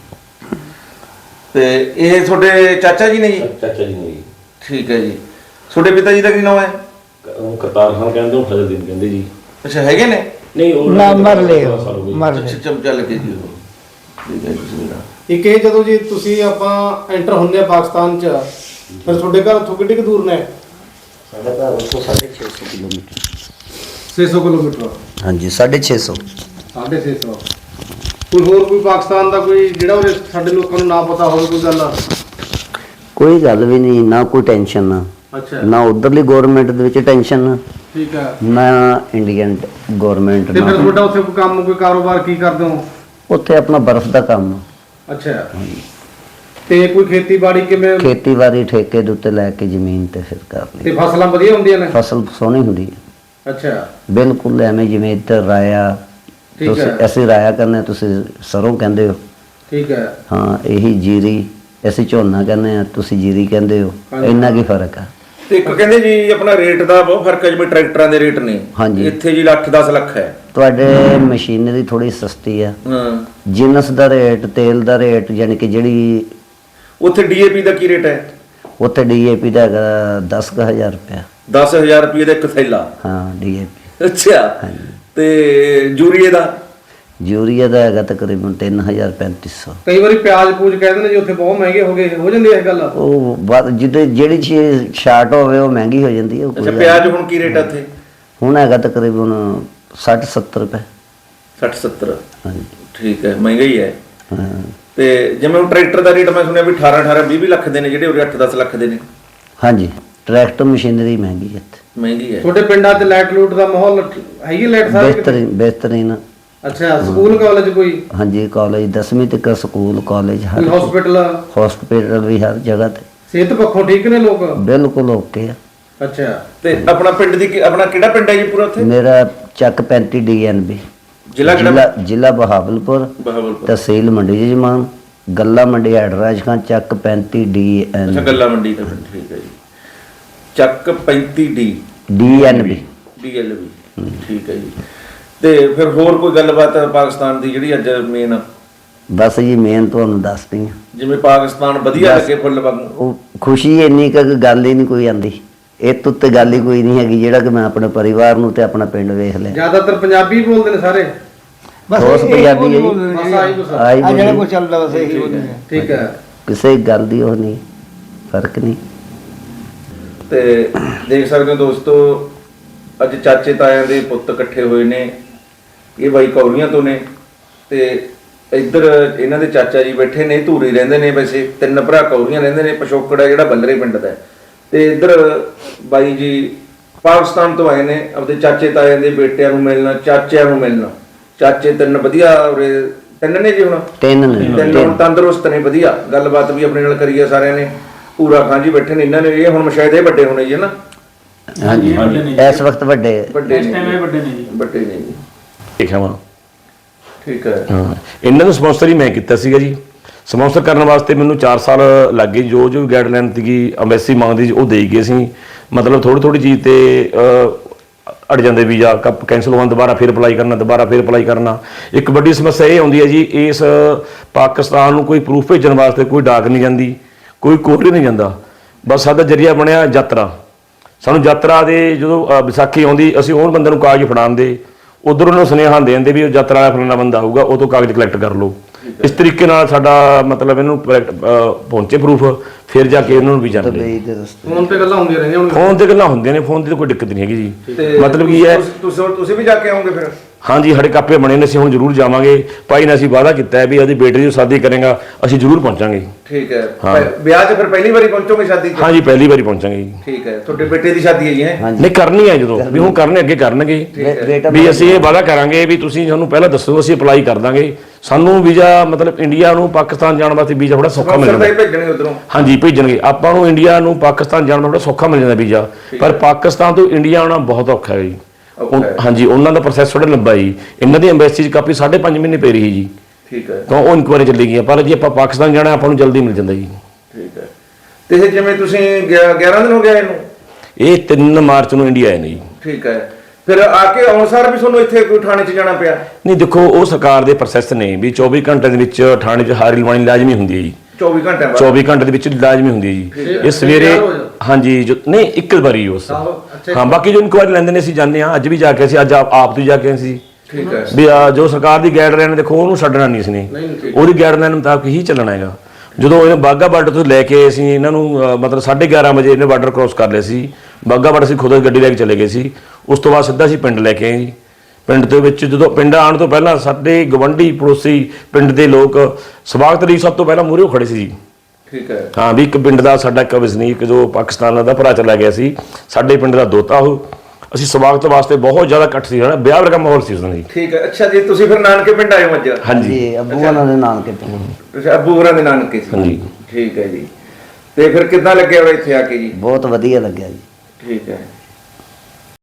A: ਤੇ ਇਹ ਤੁਹਾਡੇ ਚਾਚਾ ਜੀ ਨੇ ਜੀ?
D: ਚਾਚਾ ਜੀ ਨੇ ਜੀ।
A: ਠੀਕ ਹੈ ਜੀ। ਤੁਹਾਡੇ ਪਿਤਾ ਜੀ ਦਾ ਕੀ ਨਾਮ ਹੈ?
D: ਉਹ ਕਰਤਾਰ ਖਾਨ ਕਹਿੰਦੇ, ਉਹ ਫਜ਼ਲਦੀਨ ਕਹਿੰਦੇ ਜੀ।
A: ਅੱਛਾ ਹੈਗੇ ਨੇ?
D: ਨਹੀਂ ਉਹ
E: ਨਾ ਮਰ ਲਏ ਮਰ
A: ਅੱਛਾ
E: ਲਏ।
A: ਚਮਚਾ ਲੱਗੇ ਜੀ ਉਹ। ਠੀਕ ਹੈ ਜੀ।
F: ਇੱਕ ਇਹ ਜਦੋਂ ਜੀ ਤੁਸੀਂ ਆਪਾਂ ਐਂਟਰ ਹੁੰਦੇ ਆ ਪਾਕਿਸਤਾਨ ਚ, ਫਿਰ ਤੁਹਾਡੇ ਘਰ ਉੱਥੋਂ ਕਿੰਨੀ ਕੁ ਦੂਰ ਨੇ?
B: ਸਾਡਾ ਘਰ ਉੱਥੋਂ 650 ਕਿਲੋਮੀਟਰ।
F: 600 ਕਿਲੋਮੀਟਰ।
B: ਹਾਂਜੀ 650।
F: 650। ਕੋਈ ਪਾਕਿਸਤਾਨ ਦਾ ਕੋਈ ਜਿਹੜਾ ਉਹਦੇ ਸਾਡੇ ਲੋਕਾਂ ਨੂੰ ਨਾ ਪਤਾ ਹੋਵੇ ਕੋਈ ਗੱਲ?
B: ਕੋਈ ਗੱਲ ਵੀ ਨਹੀਂ, ਨਾ ਕੋਈ ਟੈਨਸ਼ਨ ਨਾ।
F: ਅੱਛਾ
B: ਨਾ ਉਧਰਲੀ ਗਵਰਨਮੈਂਟ ਦੇ ਵਿੱਚ ਟੈਨਸ਼ਨ,
F: ਠੀਕ ਹੈ।
B: ਨਾ ਇੰਡੀਅਨ ਗਵਰਨਮੈਂਟ।
F: ਤੇ ਫਿਰ ਤੁਹਾਡਾ ਉੱਥੇ ਕੋਈ ਕੰਮ, ਕੋਈ ਕਾਰੋਬਾਰ ਕੀ ਕਰਦੇ ਹੋ?
B: ਉੱਥੇ ਆਪਣਾ ਬਰਫ਼ ਦਾ ਕੰਮ।
F: ਅੱਛਾ। ਤੇ ਕੋਈ ਖੇਤੀਬਾੜੀ ਕਿਵੇਂ?
B: ਖੇਤੀਬਾੜੀ ਠੇਕੇ ਦੇ ਉੱਤੇ ਲੈ ਕੇ ਜ਼ਮੀਨ ਤੇ ਫਿਰ ਕਰ ਲਈ।
F: ਤੇ ਫਸਲਾਂ ਵਧੀਆ ਹੁੰਦੀਆਂ ਨੇ?
B: ਫਸਲ ਸੋਹਣੀ ਹੁੰਦੀ ਹੈ
F: ਅੱਛਾ
B: ਬਿਲਕੁਲ। ਐਵੇਂ ਜਿਵੇਂ ਇੱਧਰ ਰਾਇਆ,
F: ਠੀਕ
B: ਤੁਸੀਂ
F: ਹੈ।
B: ਅਸੀਂ ਰਾਇਆ ਕਹਿੰਦੇ ਹਾਂ, ਤੁਸੀਂ ਸਰੋਂ ਕਹਿੰਦੇ ਹੋ।
F: ਠੀਕ ਹੈ।
B: ਹਾਂ ਇਹੀ ਜੀਰੀ, ਅਸੀਂ ਝੋਨਾ ਕਹਿੰਦੇ ਆ, ਤੁਸੀਂ ਜੀਰੀ ਕਹਿੰਦੇ ਹੋ।
F: ਹਾਂਜੀ।
B: ਇੰਨਾ ਕੀ ਫਰਕ ਆ।
A: ਤੇ ਇੱਕ ਕਹਿੰਦੇ ਜੀ ਆਪਣਾ ਰੇਟ ਦਾ ਬਹੁਤ ਫਰਕ ਹੈ, ਜਿਵੇਂ ਟਰੈਕਟਰਾਂ ਦੇ ਰੇਟ ਨੇ।
B: ਹਾਂਜੀ।
A: ਇੱਥੇ ਜੀ 10 ਲੱਖ ਹੈ।
B: ਤੁਹਾਡੇ ਮਸ਼ੀਨਰੀ ਥੋੜੀ ਸਸਤੀ ਆ।
A: ਹਾਂ।
B: ਜਿਨਸ ਦਾ ਰੇਟ, ਤੇਲ ਦਾ ਰੇਟ, ਯਾਨੀ ਕਿ ਜਿਹੜੀ
A: ਉੱਥੇ ਡੀਏਪੀ ਦਾ ਕੀ ਰੇਟ ਹੈ?
B: ਉੱਥੇ ਡੀਏਪੀ ਦਾ ਹੈਗਾ 10,000 ਰੁਪਇਆ।
A: 10,000 ਰੁਪਏ ਦਾ ਇੱਕ ਥੈਲਾ?
B: ਹਾਂ ਡੀਏਪੀ।
A: ਅੱਛਾ।
B: ਹਾਂਜੀ।
A: ਤੇ ਯੂਰੀਏ ਦਾ?
B: ਯੂਰੀਆ ਦਾ ਹੈਗਾ ਤਕਰੀਬਨ 3350।
F: ਕਈ ਵਾਰੀ ਪਿਆਜ਼ ਪੂਜ ਕਹਿੰਦੇ ਨੇ ਜੀ ਉੱਥੇ ਬਹੁਤ ਮਹਿੰਗੇ ਹੋ ਜਾਂਦੀ ਹੈ ਇਹ ਗੱਲ।
B: ਉਹ ਜਿਹੜੀ ਚੀਜ਼ ਸ਼ਾਰਟ ਹੋਵੇ ਉਹ ਮਹਿੰਗੀ ਹੋ ਜਾਂਦੀ ਹੈ। ਉਹ ਕੋਈ
A: ਅੱਛਾ,
B: ਗੱਲ
A: ਪਿਆਜ਼ ਹੁਣ ਕੀ ਰੇਟ ਆ ਉੱਥੇ?
B: ਹੁਣ ਹੈਗਾ ਤਕਰੀਬਨ 60-70 ਰੁਪਏ।
A: 60-70?
B: ਹਾਂਜੀ
A: ਠੀਕ ਹੈ, ਮਹਿੰਗਾ ਹੀ ਹੈ।
B: ਹਾਂ।
A: ਤੇ ਜਿਵੇਂ ਹੁਣ ਟਰੈਕਟਰ ਦਾ ਰੇਟ ਮੈਂ ਸੁਣਿਆ ਵੀ 18-20 ਲੱਖ ਦੇ ਨੇ, ਜਿਹੜੇ ਉਰੇ 8-10 ਲੱਖ ਦੇ ਨੇ।
B: ਹਾਂਜੀ, ਟਰੈਕਟਰ ਮਸ਼ੀਨਰੀ ਮਹਿੰਗੀ ਹੈ ਇੱਥੇ।
A: ਮਹਿੰਗੀ ਹੈ।
F: ਤੁਹਾਡੇ ਪਿੰਡਾਂ 'ਚ ਲਾਈਟ ਲੂਟ ਦਾ ਮਾਹੌਲ ਹੈਗੀ? ਲਾਈਟ ਸਾਰੇ ਕਿਤੇ?
B: ਬਿਹਤਰੀਨ।
F: ਅੱਛਾ, ਸਕੂਲ ਕਾਲਜ ਕੋਈ?
B: ਹਾਂਜੀ, ਕਾਲਜ 10ਵੀਂ ਤੱਕ ਸਕੂਲ, ਕਾਲਜ ਹਰ
F: ਕੋਈ ਹਸਪੀਟਲ?
B: ਹਸਪੀਟਲ ਵੀ ਹਰ ਜਗ੍ਹਾ ਤੇ।
F: ਸਿਹਤ ਪੱਖੋਂ ਠੀਕ ਨੇ ਲੋਕ?
B: ਬਿਲਕੁਲ ਓਕੇ ਆ।
F: ਅੱਛਾ,
A: ਤੇ ਆਪਣਾ ਪਿੰਡ ਦੀ ਆਪਣਾ ਕਿਹੜਾ ਪਿੰਡ ਹੈ ਜੀ ਪੂਰਾ ਉੱਥੇ?
B: ਮੇਰਾ ਚੱਕ 35 DNB,
A: ਜ਼ਿਲ੍ਹਾ ਕਿਹੜਾ?
B: ਜ਼ਿਲ੍ਹਾ ਬਹਾਵਲਪੁਰ,
A: ਬਹਾਵਲਪੁਰ।
B: ਤਹਿਸੀਲ ਮੰਡੀ ਜਮਾਨ, ਗੱਲਾ ਮੰਡੀ ਹੈਡਰਾਜ ਖਾਨ, ਚੱਕ 35
A: ਅੱਛਾ,
B: DNB।
A: ਗੱਲਾ ਮੰਡੀ ਦਾ ਪਿੰਡ, ਠੀਕ ਹੈ ਜੀ। ਚੱਕ 35D
B: DNB।
A: DLB, ਠੀਕ ਹੈ ਜੀ। ਤੇ ਫਿਰ ਹੋਰ ਕੋਈ ਗੱਲਬਾਤ ਪਾਕਿਸਤਾਨ ਦੀ ਜਿਹੜੀ ਅੱਜ ਮੇਨ?
B: ਬਸ ਜੀ ਮੇਨ ਤੁਹਾਨੂੰ ਦੱਸਦੀ ਹਾਂ।
A: ਜਿਵੇਂ ਪਾਕਿਸਤਾਨ ਵਧੀਆ ਲੱਗੇ ਫੁੱਲ ਵਾਂਗੂ।
B: ਉਹ ਖੁਸ਼ੀ ਇੰਨੀ ਕੁ ਗੱਲ ਹੀ ਨਹੀਂ ਕੋਈ ਆਂਦੀ। ਇਹ ਤੋਂ ਉੱਤੇ ਗੱਲ ਹੀ ਕੋਈ ਨਹੀਂ ਹੈਗੀ ਜਿਹੜਾ ਕਿ ਮੈਂ ਆਪਣੇ ਪਰਿਵਾਰ ਨੂੰ ਤੇ ਆਪਣਾ ਪਿੰਡ ਵੇਖ ਲਿਆ।
F: ਜ਼ਿਆਦਾਤਰ ਪੰਜਾਬੀ ਬੋਲਦੇ ਨੇ ਸਾਰੇ?
B: ਠੋਸ ਪੰਜਾਬੀ ਹੈ ਜੀ।
F: ਬਸ ਆਹੀ ਕੁਛ।
B: ਆਹੀ
E: ਆ ਜਿਹੜਾ
B: ਬੋਲੀ।
E: ਕੁਝ ਚੱਲਦਾ ਬਸ ਇਹੀ ਬੋਲੀ ਹੈ।
F: ਠੀਕ ਹੈ।
B: ਕਿਸੇ ਗੱਲ ਦੀ ਉਹ ਨਹੀਂ, ਫਰਕ ਨਹੀਂ।
A: ਤੇ ਦੇਖ ਸਕਦੇ ਹੋ ਦੋਸਤੋ, ਅੱਜ ਚਾਚੇ ਤਾਇਆਂ ਦੇ ਪੁੱਤ ਇਕੱਠੇ ਹੋਏ ਨੇ। ਇਹ ਬਾਈ ਕੌਲੀਆਂ ਤੋਂ ਨੇ ਤੇ ਇੱਧਰ ਇਹਨਾਂ ਦੇ ਚਾਚਾ ਜੀ ਬੈਠੇ ਨੇ, ਧੂਰੀ ਰਹਿੰਦੇ ਨੇ। ਵੈਸੇ 3 ਭਰਾ ਕੌਲੀਆਂ ਰਹਿੰਦੇ ਨੇ, ਪਿਛੋਕੜ ਹੈ ਜਿਹੜਾ ਬੱਲਰੇ ਪਿੰਡ ਦਾ ਹੈ। ਤੇ ਇੱਧਰ ਬਾਈ ਜੀ ਪਾਕਿਸਤਾਨ ਤੋਂ ਆਏ ਨੇ ਆਪਦੇ ਚਾਚੇ ਤਾਇਆਂ ਦੇ ਬੇਟਿਆਂ ਨੂੰ ਮਿਲਣਾ, ਚਾਚਿਆਂ ਨੂੰ ਮਿਲਣਾ। ਚਾਚੇ 3 ਵਧੀਆ ਉਰੇ 3 ਨੇ ਜੀ ਹੁਣ?
B: 3 ਨੇ।
A: 3 ਹੁਣ ਤੰਦਰੁਸਤ ਨੇ, ਵਧੀਆ ਗੱਲਬਾਤ ਵੀ ਆਪਣੇ ਨਾਲ ਕਰੀ ਆ ਸਾਰਿਆਂ ਨੇ। ਪੂਰਾ ਖਾਂ ਜੀ ਬੈਠੇ ਨੇ ਇਹਨਾਂ ਨੇ। ਇਹ ਹੁਣ ਸ਼ਾਇਦ ਇਹ ਵੱਡੇ ਹੋਣੇ ਜੀ, ਹੈ ਨਾ?
B: ਹਾਂਜੀ,
C: ਵੱਡੇ ਨੇ ਜੀ।
B: ਇਸ ਵਕਤ ਵੱਡੇ
A: ਵੱਡੇ
C: ਇਸ ਟਾਈਮ
A: ਨੇ,
C: ਇਹ ਵੱਡੇ ਨੇ ਜੀ।
A: ਵੱਡੇ ਨੇ ਜੀ।
D: ਦੇਖਿਆ ਵਾ।
A: ਠੀਕ ਹੈ।
D: ਹਾਂ, ਇਹਨਾਂ ਨੂੰ ਸਪਾਂਸਰ ਹੀ ਮੈਂ ਕੀਤਾ ਸੀਗਾ ਜੀ। ਸਪਾਂਸਰ ਕਰਨ ਵਾਸਤੇ ਮੈਨੂੰ 4 ਸਾਲ ਲੱਗ ਗਏ। ਜੋ ਗਾਈਡਲਾਈਨ ਸੀਗੀ ਐਮਬੈਸੀ ਮੰਗਦੀ ਸੀ ਉਹ ਦੇਈ ਗਏ ਸੀ। ਮਤਲਬ ਥੋੜੀ ਚੀਜ਼ ਤੇ ਅੜ ਜਾਂਦੇ ਵੀਜ਼ਾ ਕੈਂਸਲ ਹੋਣ, ਦੁਬਾਰਾ ਫਿਰ ਅਪਲਾਈ ਕਰਨਾ। ਇੱਕ ਵੱਡੀ ਸਮੱਸਿਆ ਇਹ ਆਉਂਦੀ ਹੈ ਜੀ, ਇਸ ਪਾਕਿਸਤਾਨ ਨੂੰ ਕੋਈ ਪ੍ਰੂਫ ਭੇਜਣ ਵਾਸਤੇ ਕੋਈ ਡਾਕ ਨਹੀਂ ਜਾਂਦੀ, ਕੋਈ ਕੋਰੀਅਰ ਨਹੀਂ ਜਾਂਦਾ। ਬਸ ਸਾਡਾ ਜਰੀਆ ਬਣਿਆ ਯਾਤਰਾ। ਸਾਨੂੰ ਯਾਤਰਾ ਦੇ ਜਦੋਂ ਵਿਸਾਖੀ ਆਉਂਦੀ, ਅਸੀਂ ਉਹ ਬੰਦੇ ਨੂੰ ਕਾਗਜ਼ ਫੜਾਉਂਦੇ, ਉਧਰ ਉਹਨੂੰ ਸੁਨੇਹਾ ਦੇ ਦਿੰਦੇ ਵੀ ਉਹ ਯਾਤਰਾ ਵਾਲਾ ਫਲਾਣਾ ਬੰਦਾ ਆਊਗਾ, ਉਹ ਤੋਂ ਕਾਗਜ਼ ਕਲੈਕਟ ਕਰ ਲਓ। ਇਸ ਤਰੀਕੇ ਨਾਲ ਸਾਡਾ ਮਤਲਬ ਇਹਨੂੰ ਪਹੁੰਚੇ ਪ੍ਰੂਫ, ਫਿਰ ਜਾ ਕੇ ਇਹਨਾਂ ਨੂੰ ਵੀਜ਼ਾ ਮਿਲੇ।
B: ਦੁਬਈ ਦੇ ਰਸਤੇ
F: ਫੋਨ ਤੇ ਗੱਲਾਂ ਹੁੰਦੀਆਂ ਰਹਿੰਦੀਆਂ ਹੁਣ?
D: ਫੋਨ ਤੇ ਗੱਲਾਂ ਹੁੰਦੀਆਂ ਨੇ, ਫੋਨ ਦੀ ਤਾਂ ਕੋਈ ਦਿੱਕਤ ਨਹੀਂ ਹੈਗੀ ਜੀ।
A: ਤੇ
D: ਮਤਲਬ ਕੀ ਹੈ,
A: ਤੁਸੀਂ ਵੀ ਜਾ ਕੇ ਆਓਗੇ ਫਿਰ?
D: ਹਾਂਜੀ, ਸਾਡੇ ਕਾਪੇ ਬਣੇ ਨੇ, ਅਸੀਂ ਹੁਣ ਜ਼ਰੂਰ ਜਾਵਾਂਗੇ। ਭਾਈ ਨੇ ਅਸੀਂ ਵਾਅਦਾ ਕੀਤਾ ਹੈ ਵੀ ਉਹਦੀ ਬੇਟੀ ਦੀ ਸ਼ਾਦੀ ਕਰੇਗਾ, ਅਸੀਂ ਜ਼ਰੂਰ ਪਹੁੰਚਾਂਗੇ।
A: ਠੀਕ ਹੈ।
D: ਹਾਂ।
A: ਵਿਆਹ 'ਚ ਫਿਰ ਪਹਿਲੀ ਵਾਰੀ ਪਹੁੰਚੋਗੇ ਸ਼ਾਦੀ 'ਚ?
D: ਹਾਂਜੀ, ਪਹਿਲੀ ਵਾਰੀ ਪਹੁੰਚਾਂਗੇ ਜੀ।
A: ਠੀਕ ਹੈ। ਤੁਹਾਡੇ ਬੇਟੇ ਦੀ ਸ਼ਾਦੀ ਹੈ ਜੀ? ਹੈ
B: ਹਾਂਜੀ।
D: ਨਹੀਂ, ਕਰਨੀ ਹੈ ਜਦੋਂ ਵੀ ਹੁਣ ਕਰਨੇ, ਅੱਗੇ ਕਰਨਗੇ
B: ਬੇਟਾ
D: ਵੀ। ਅਸੀਂ ਇਹ ਵਾਅਦਾ ਕਰਾਂਗੇ ਵੀ ਤੁਸੀਂ ਸਾਨੂੰ ਪਹਿਲਾਂ ਦੱਸੋ, ਅਸੀਂ ਅਪਲਾਈ ਕਰ ਦਾਂਗੇ। ਸਾਨੂੰ ਵੀਜ਼ਾ ਮਤਲਬ ਇੰਡੀਆ ਨੂੰ ਪਾਕਿਸਤਾਨ ਜਾਣ ਵਾਸਤੇ ਵੀਜ਼ਾ ਥੋੜਾ ਸੌਖਾ ਮਿਲ ਜਾਂਦਾ।
A: ਭੇਜਣਗੇ ਉਧਰੋਂ?
D: ਹਾਂਜੀ, ਭੇਜਣਗੇ। ਆਪਾਂ ਨੂੰ ਇੰਡੀਆ ਨੂੰ ਪਾਕਿਸਤਾਨ ਜਾਣ ਦਾ ਥੋੜਾ ਸੌਖਾ ਮਿਲ ਜਾਂਦਾ ਵੀਜ਼ਾ, ਪਰ ਪਾਕਿਸਤਾਨ ਤੋਂ ਇੰਡੀਆ ਆਉਣਾ ਬਹੁਤ ਔਖਾ ਹੈ ਜੀ। ਹਾਂਜੀ, ਉਹਨਾਂ ਦਾ ਪ੍ਰੋਸੈਸ ਥੋੜਾ ਲੰਬਾ ਜੀ। ਇਹਨਾਂ ਦੀ ਐਮਬੈਸੀ 'ਚ ਕਾਪੀ 5.5 ਮਹੀਨੇ ਪੈ ਰਹੀ ਜੀ।
A: ਠੀਕ ਹੈ।
D: ਤਾਂ ਉਹ ਇਨਕੁਆਇਰੀ ਚੱਲੀ ਗਈ। ਪਰ ਜੇ ਆਪਾਂ ਪਾਕਿਸਤਾਨ ਜਾਣਾ, ਆਪਾਂ ਨੂੰ ਜਲਦੀ ਮਿਲ ਜਾਂਦਾ ਜੀ।
A: ਠੀਕ ਹੈ। ਤੇ ਇਹ ਜਿਵੇਂ ਤੁਸੀਂ 11 ਦਿਨ ਹੋ ਗਏ ਇਹਨੂੰ?
D: ਇਹ 3 ਮਾਰਚ ਨੂੰ ਇੰਡੀਆ ਆਏ ਨੇ ਜੀ।
A: ਠੀਕ ਹੈ। ਫਿਰ ਆ ਕੇ ਆਉਣ ਸਾਰ ਵੀ ਤੁਹਾਨੂੰ ਇੱਥੇ ਕੋਈ ਥਾਣੇ 'ਚ ਜਾਣਾ ਪਿਆ?
D: ਨਹੀਂ, ਦੇਖੋ ਉਹ ਸਰਕਾਰ ਦੇ ਪ੍ਰੋਸੈਸ ਨੇ ਵੀ 24 ਘੰਟੇ ਦੇ ਵਿੱਚ ਥਾਣੇ 'ਚ ਹਾਜ਼ਰੀ ਲਵਾਉਣੀ ਲਾਜ਼ਮੀ ਹੁੰਦੀ ਹੈ ਜੀ।
A: 24 ਘੰਟੇ ਬਾਅਦ?
D: 24 ਘੰਟੇ ਦੇ ਵਿੱਚ ਲਾਜ਼ਮੀ ਹੁੰਦੀ ਹੈ ਜੀ। ਇਹ ਸਵੇਰੇ, ਹਾਂਜੀ, ਨਹੀਂ ਇੱਕ ਵਾਰੀ ਉਸ। ਹਾਂ, ਬਾਕੀ ਜੋ ਇਨਕੁਆਇਰੀ ਲੈਂਦੇ ਨੇ ਅਸੀਂ ਜਾਂਦੇ ਹਾਂ। ਅੱਜ ਵੀ ਜਾ ਕੇ ਅਸੀਂ, ਅੱਜ ਆਪ ਤੋਂ ਜਾ ਕੇ ਅਸੀਂ
A: ਠੀਕ ਹੈ।
D: ਵੀ ਜੋ ਸਰਕਾਰ ਦੀ ਗਾਈਡਲਾਈਨ, ਦੇਖੋ ਉਹਨੂੰ ਛੱਡਣਾ ਨਹੀਂ ਇਸਨੇ, ਉਹਦੀ ਗਾਈਡਲਾਈਨ ਮੁਤਾਬਕ ਹੀ ਚੱਲਣਾ ਹੈਗਾ। ਜਦੋਂ ਇਹ ਬਾਗਾ ਬਾਰਡਰ ਤੋਂ ਲੈ ਕੇ ਅਸੀਂ ਇਹਨਾਂ ਨੂੰ ਮਤਲਬ 11:30 ਵਜੇ ਇਹਨੇ ਬਾਰਡਰ ਕ੍ਰੋਸ ਕਰ ਲਿਆ ਸੀ। ਬਾਗਾ ਬਾਰਡਰ ਅਸੀਂ ਖੁਦ ਗੱਡੀ ਲੈ ਕੇ ਚਲੇ ਗਏ ਸੀ। ਉਸ ਤੋਂ ਬਾਅਦ ਸਿੱਧਾ ਅਸੀਂ ਪਿੰਡ ਲੈ ਕੇ ਆਏ ਜੀ। ਪਿੰਡ ਦੇ ਵਿੱਚ ਜਦੋਂ ਪਿੰਡ ਆਉਣ ਤੋਂ ਪਹਿਲਾਂ ਸਾਡੇ ਗਵੰਡੀ ਪੜੋਸੀ ਪਿੰਡ ਦੇ ਲੋਕ ਸਵਾਗਤ ਲਈ ਸਭ ਤੋਂ ਪਹਿਲਾਂ ਮੂਹਰੇ ਖੜੇ ਸੀ ਜੀ।
A: ਠੀਕ ਹੈ।
D: ਹਾਂ, ਵੀ ਇੱਕ ਪਿੰਡ ਦਾ ਸਾਡਾ ਇੱਕ ਵਸਨੀਕ ਜੋ ਪਾਕਿਸਤਾਨ ਦਾ ਭਰਾ ਚਲਾ ਗਿਆ ਸੀ, ਸਾਡੇ ਪਿੰਡ ਦਾ ਦੋਤਾ ਉਹ। ਅਸੀਂ ਸਵਾਗਤ ਵਾਸਤੇ ਬਹੁਤ ਜ਼ਿਆਦਾ ਇਕੱਠ ਸੀ, ਹਨਾ, ਵਿਆਹ ਵਰਗਾ ਮਾਹੌਲ ਸੀ ਉਸ ਦਿਨ ਜੀ।
A: ਠੀਕ ਹੈ। ਅੱਛਾ ਜੀ, ਤੁਸੀਂ ਫਿਰ ਨਾਨਕੇ ਪਿੰਡ ਆਏ ਹੋ ਅੱਜ?
D: ਹਾਂਜੀ,
B: ਜੀ, ਅੱਬੂ ਉਹਨਾਂ ਦੇ ਨਾਨਕੇ ਪਿੰਡ।
A: ਤੁਸੀਂ ਅੱਬੂ ਹੋਰਾਂ ਦੇ ਨਾਨਕੇ ਸੀ?
D: ਹਾਂਜੀ।
A: ਠੀਕ ਹੈ ਜੀ। ਤੇ ਫਿਰ ਕਿੱਦਾਂ ਲੱਗਿਆ ਵਾ ਇੱਥੇ ਆ ਕੇ ਜੀ?
B: ਬਹੁਤ ਵਧੀਆ ਲੱਗਿਆ ਜੀ।
A: ਠੀਕ ਹੈ।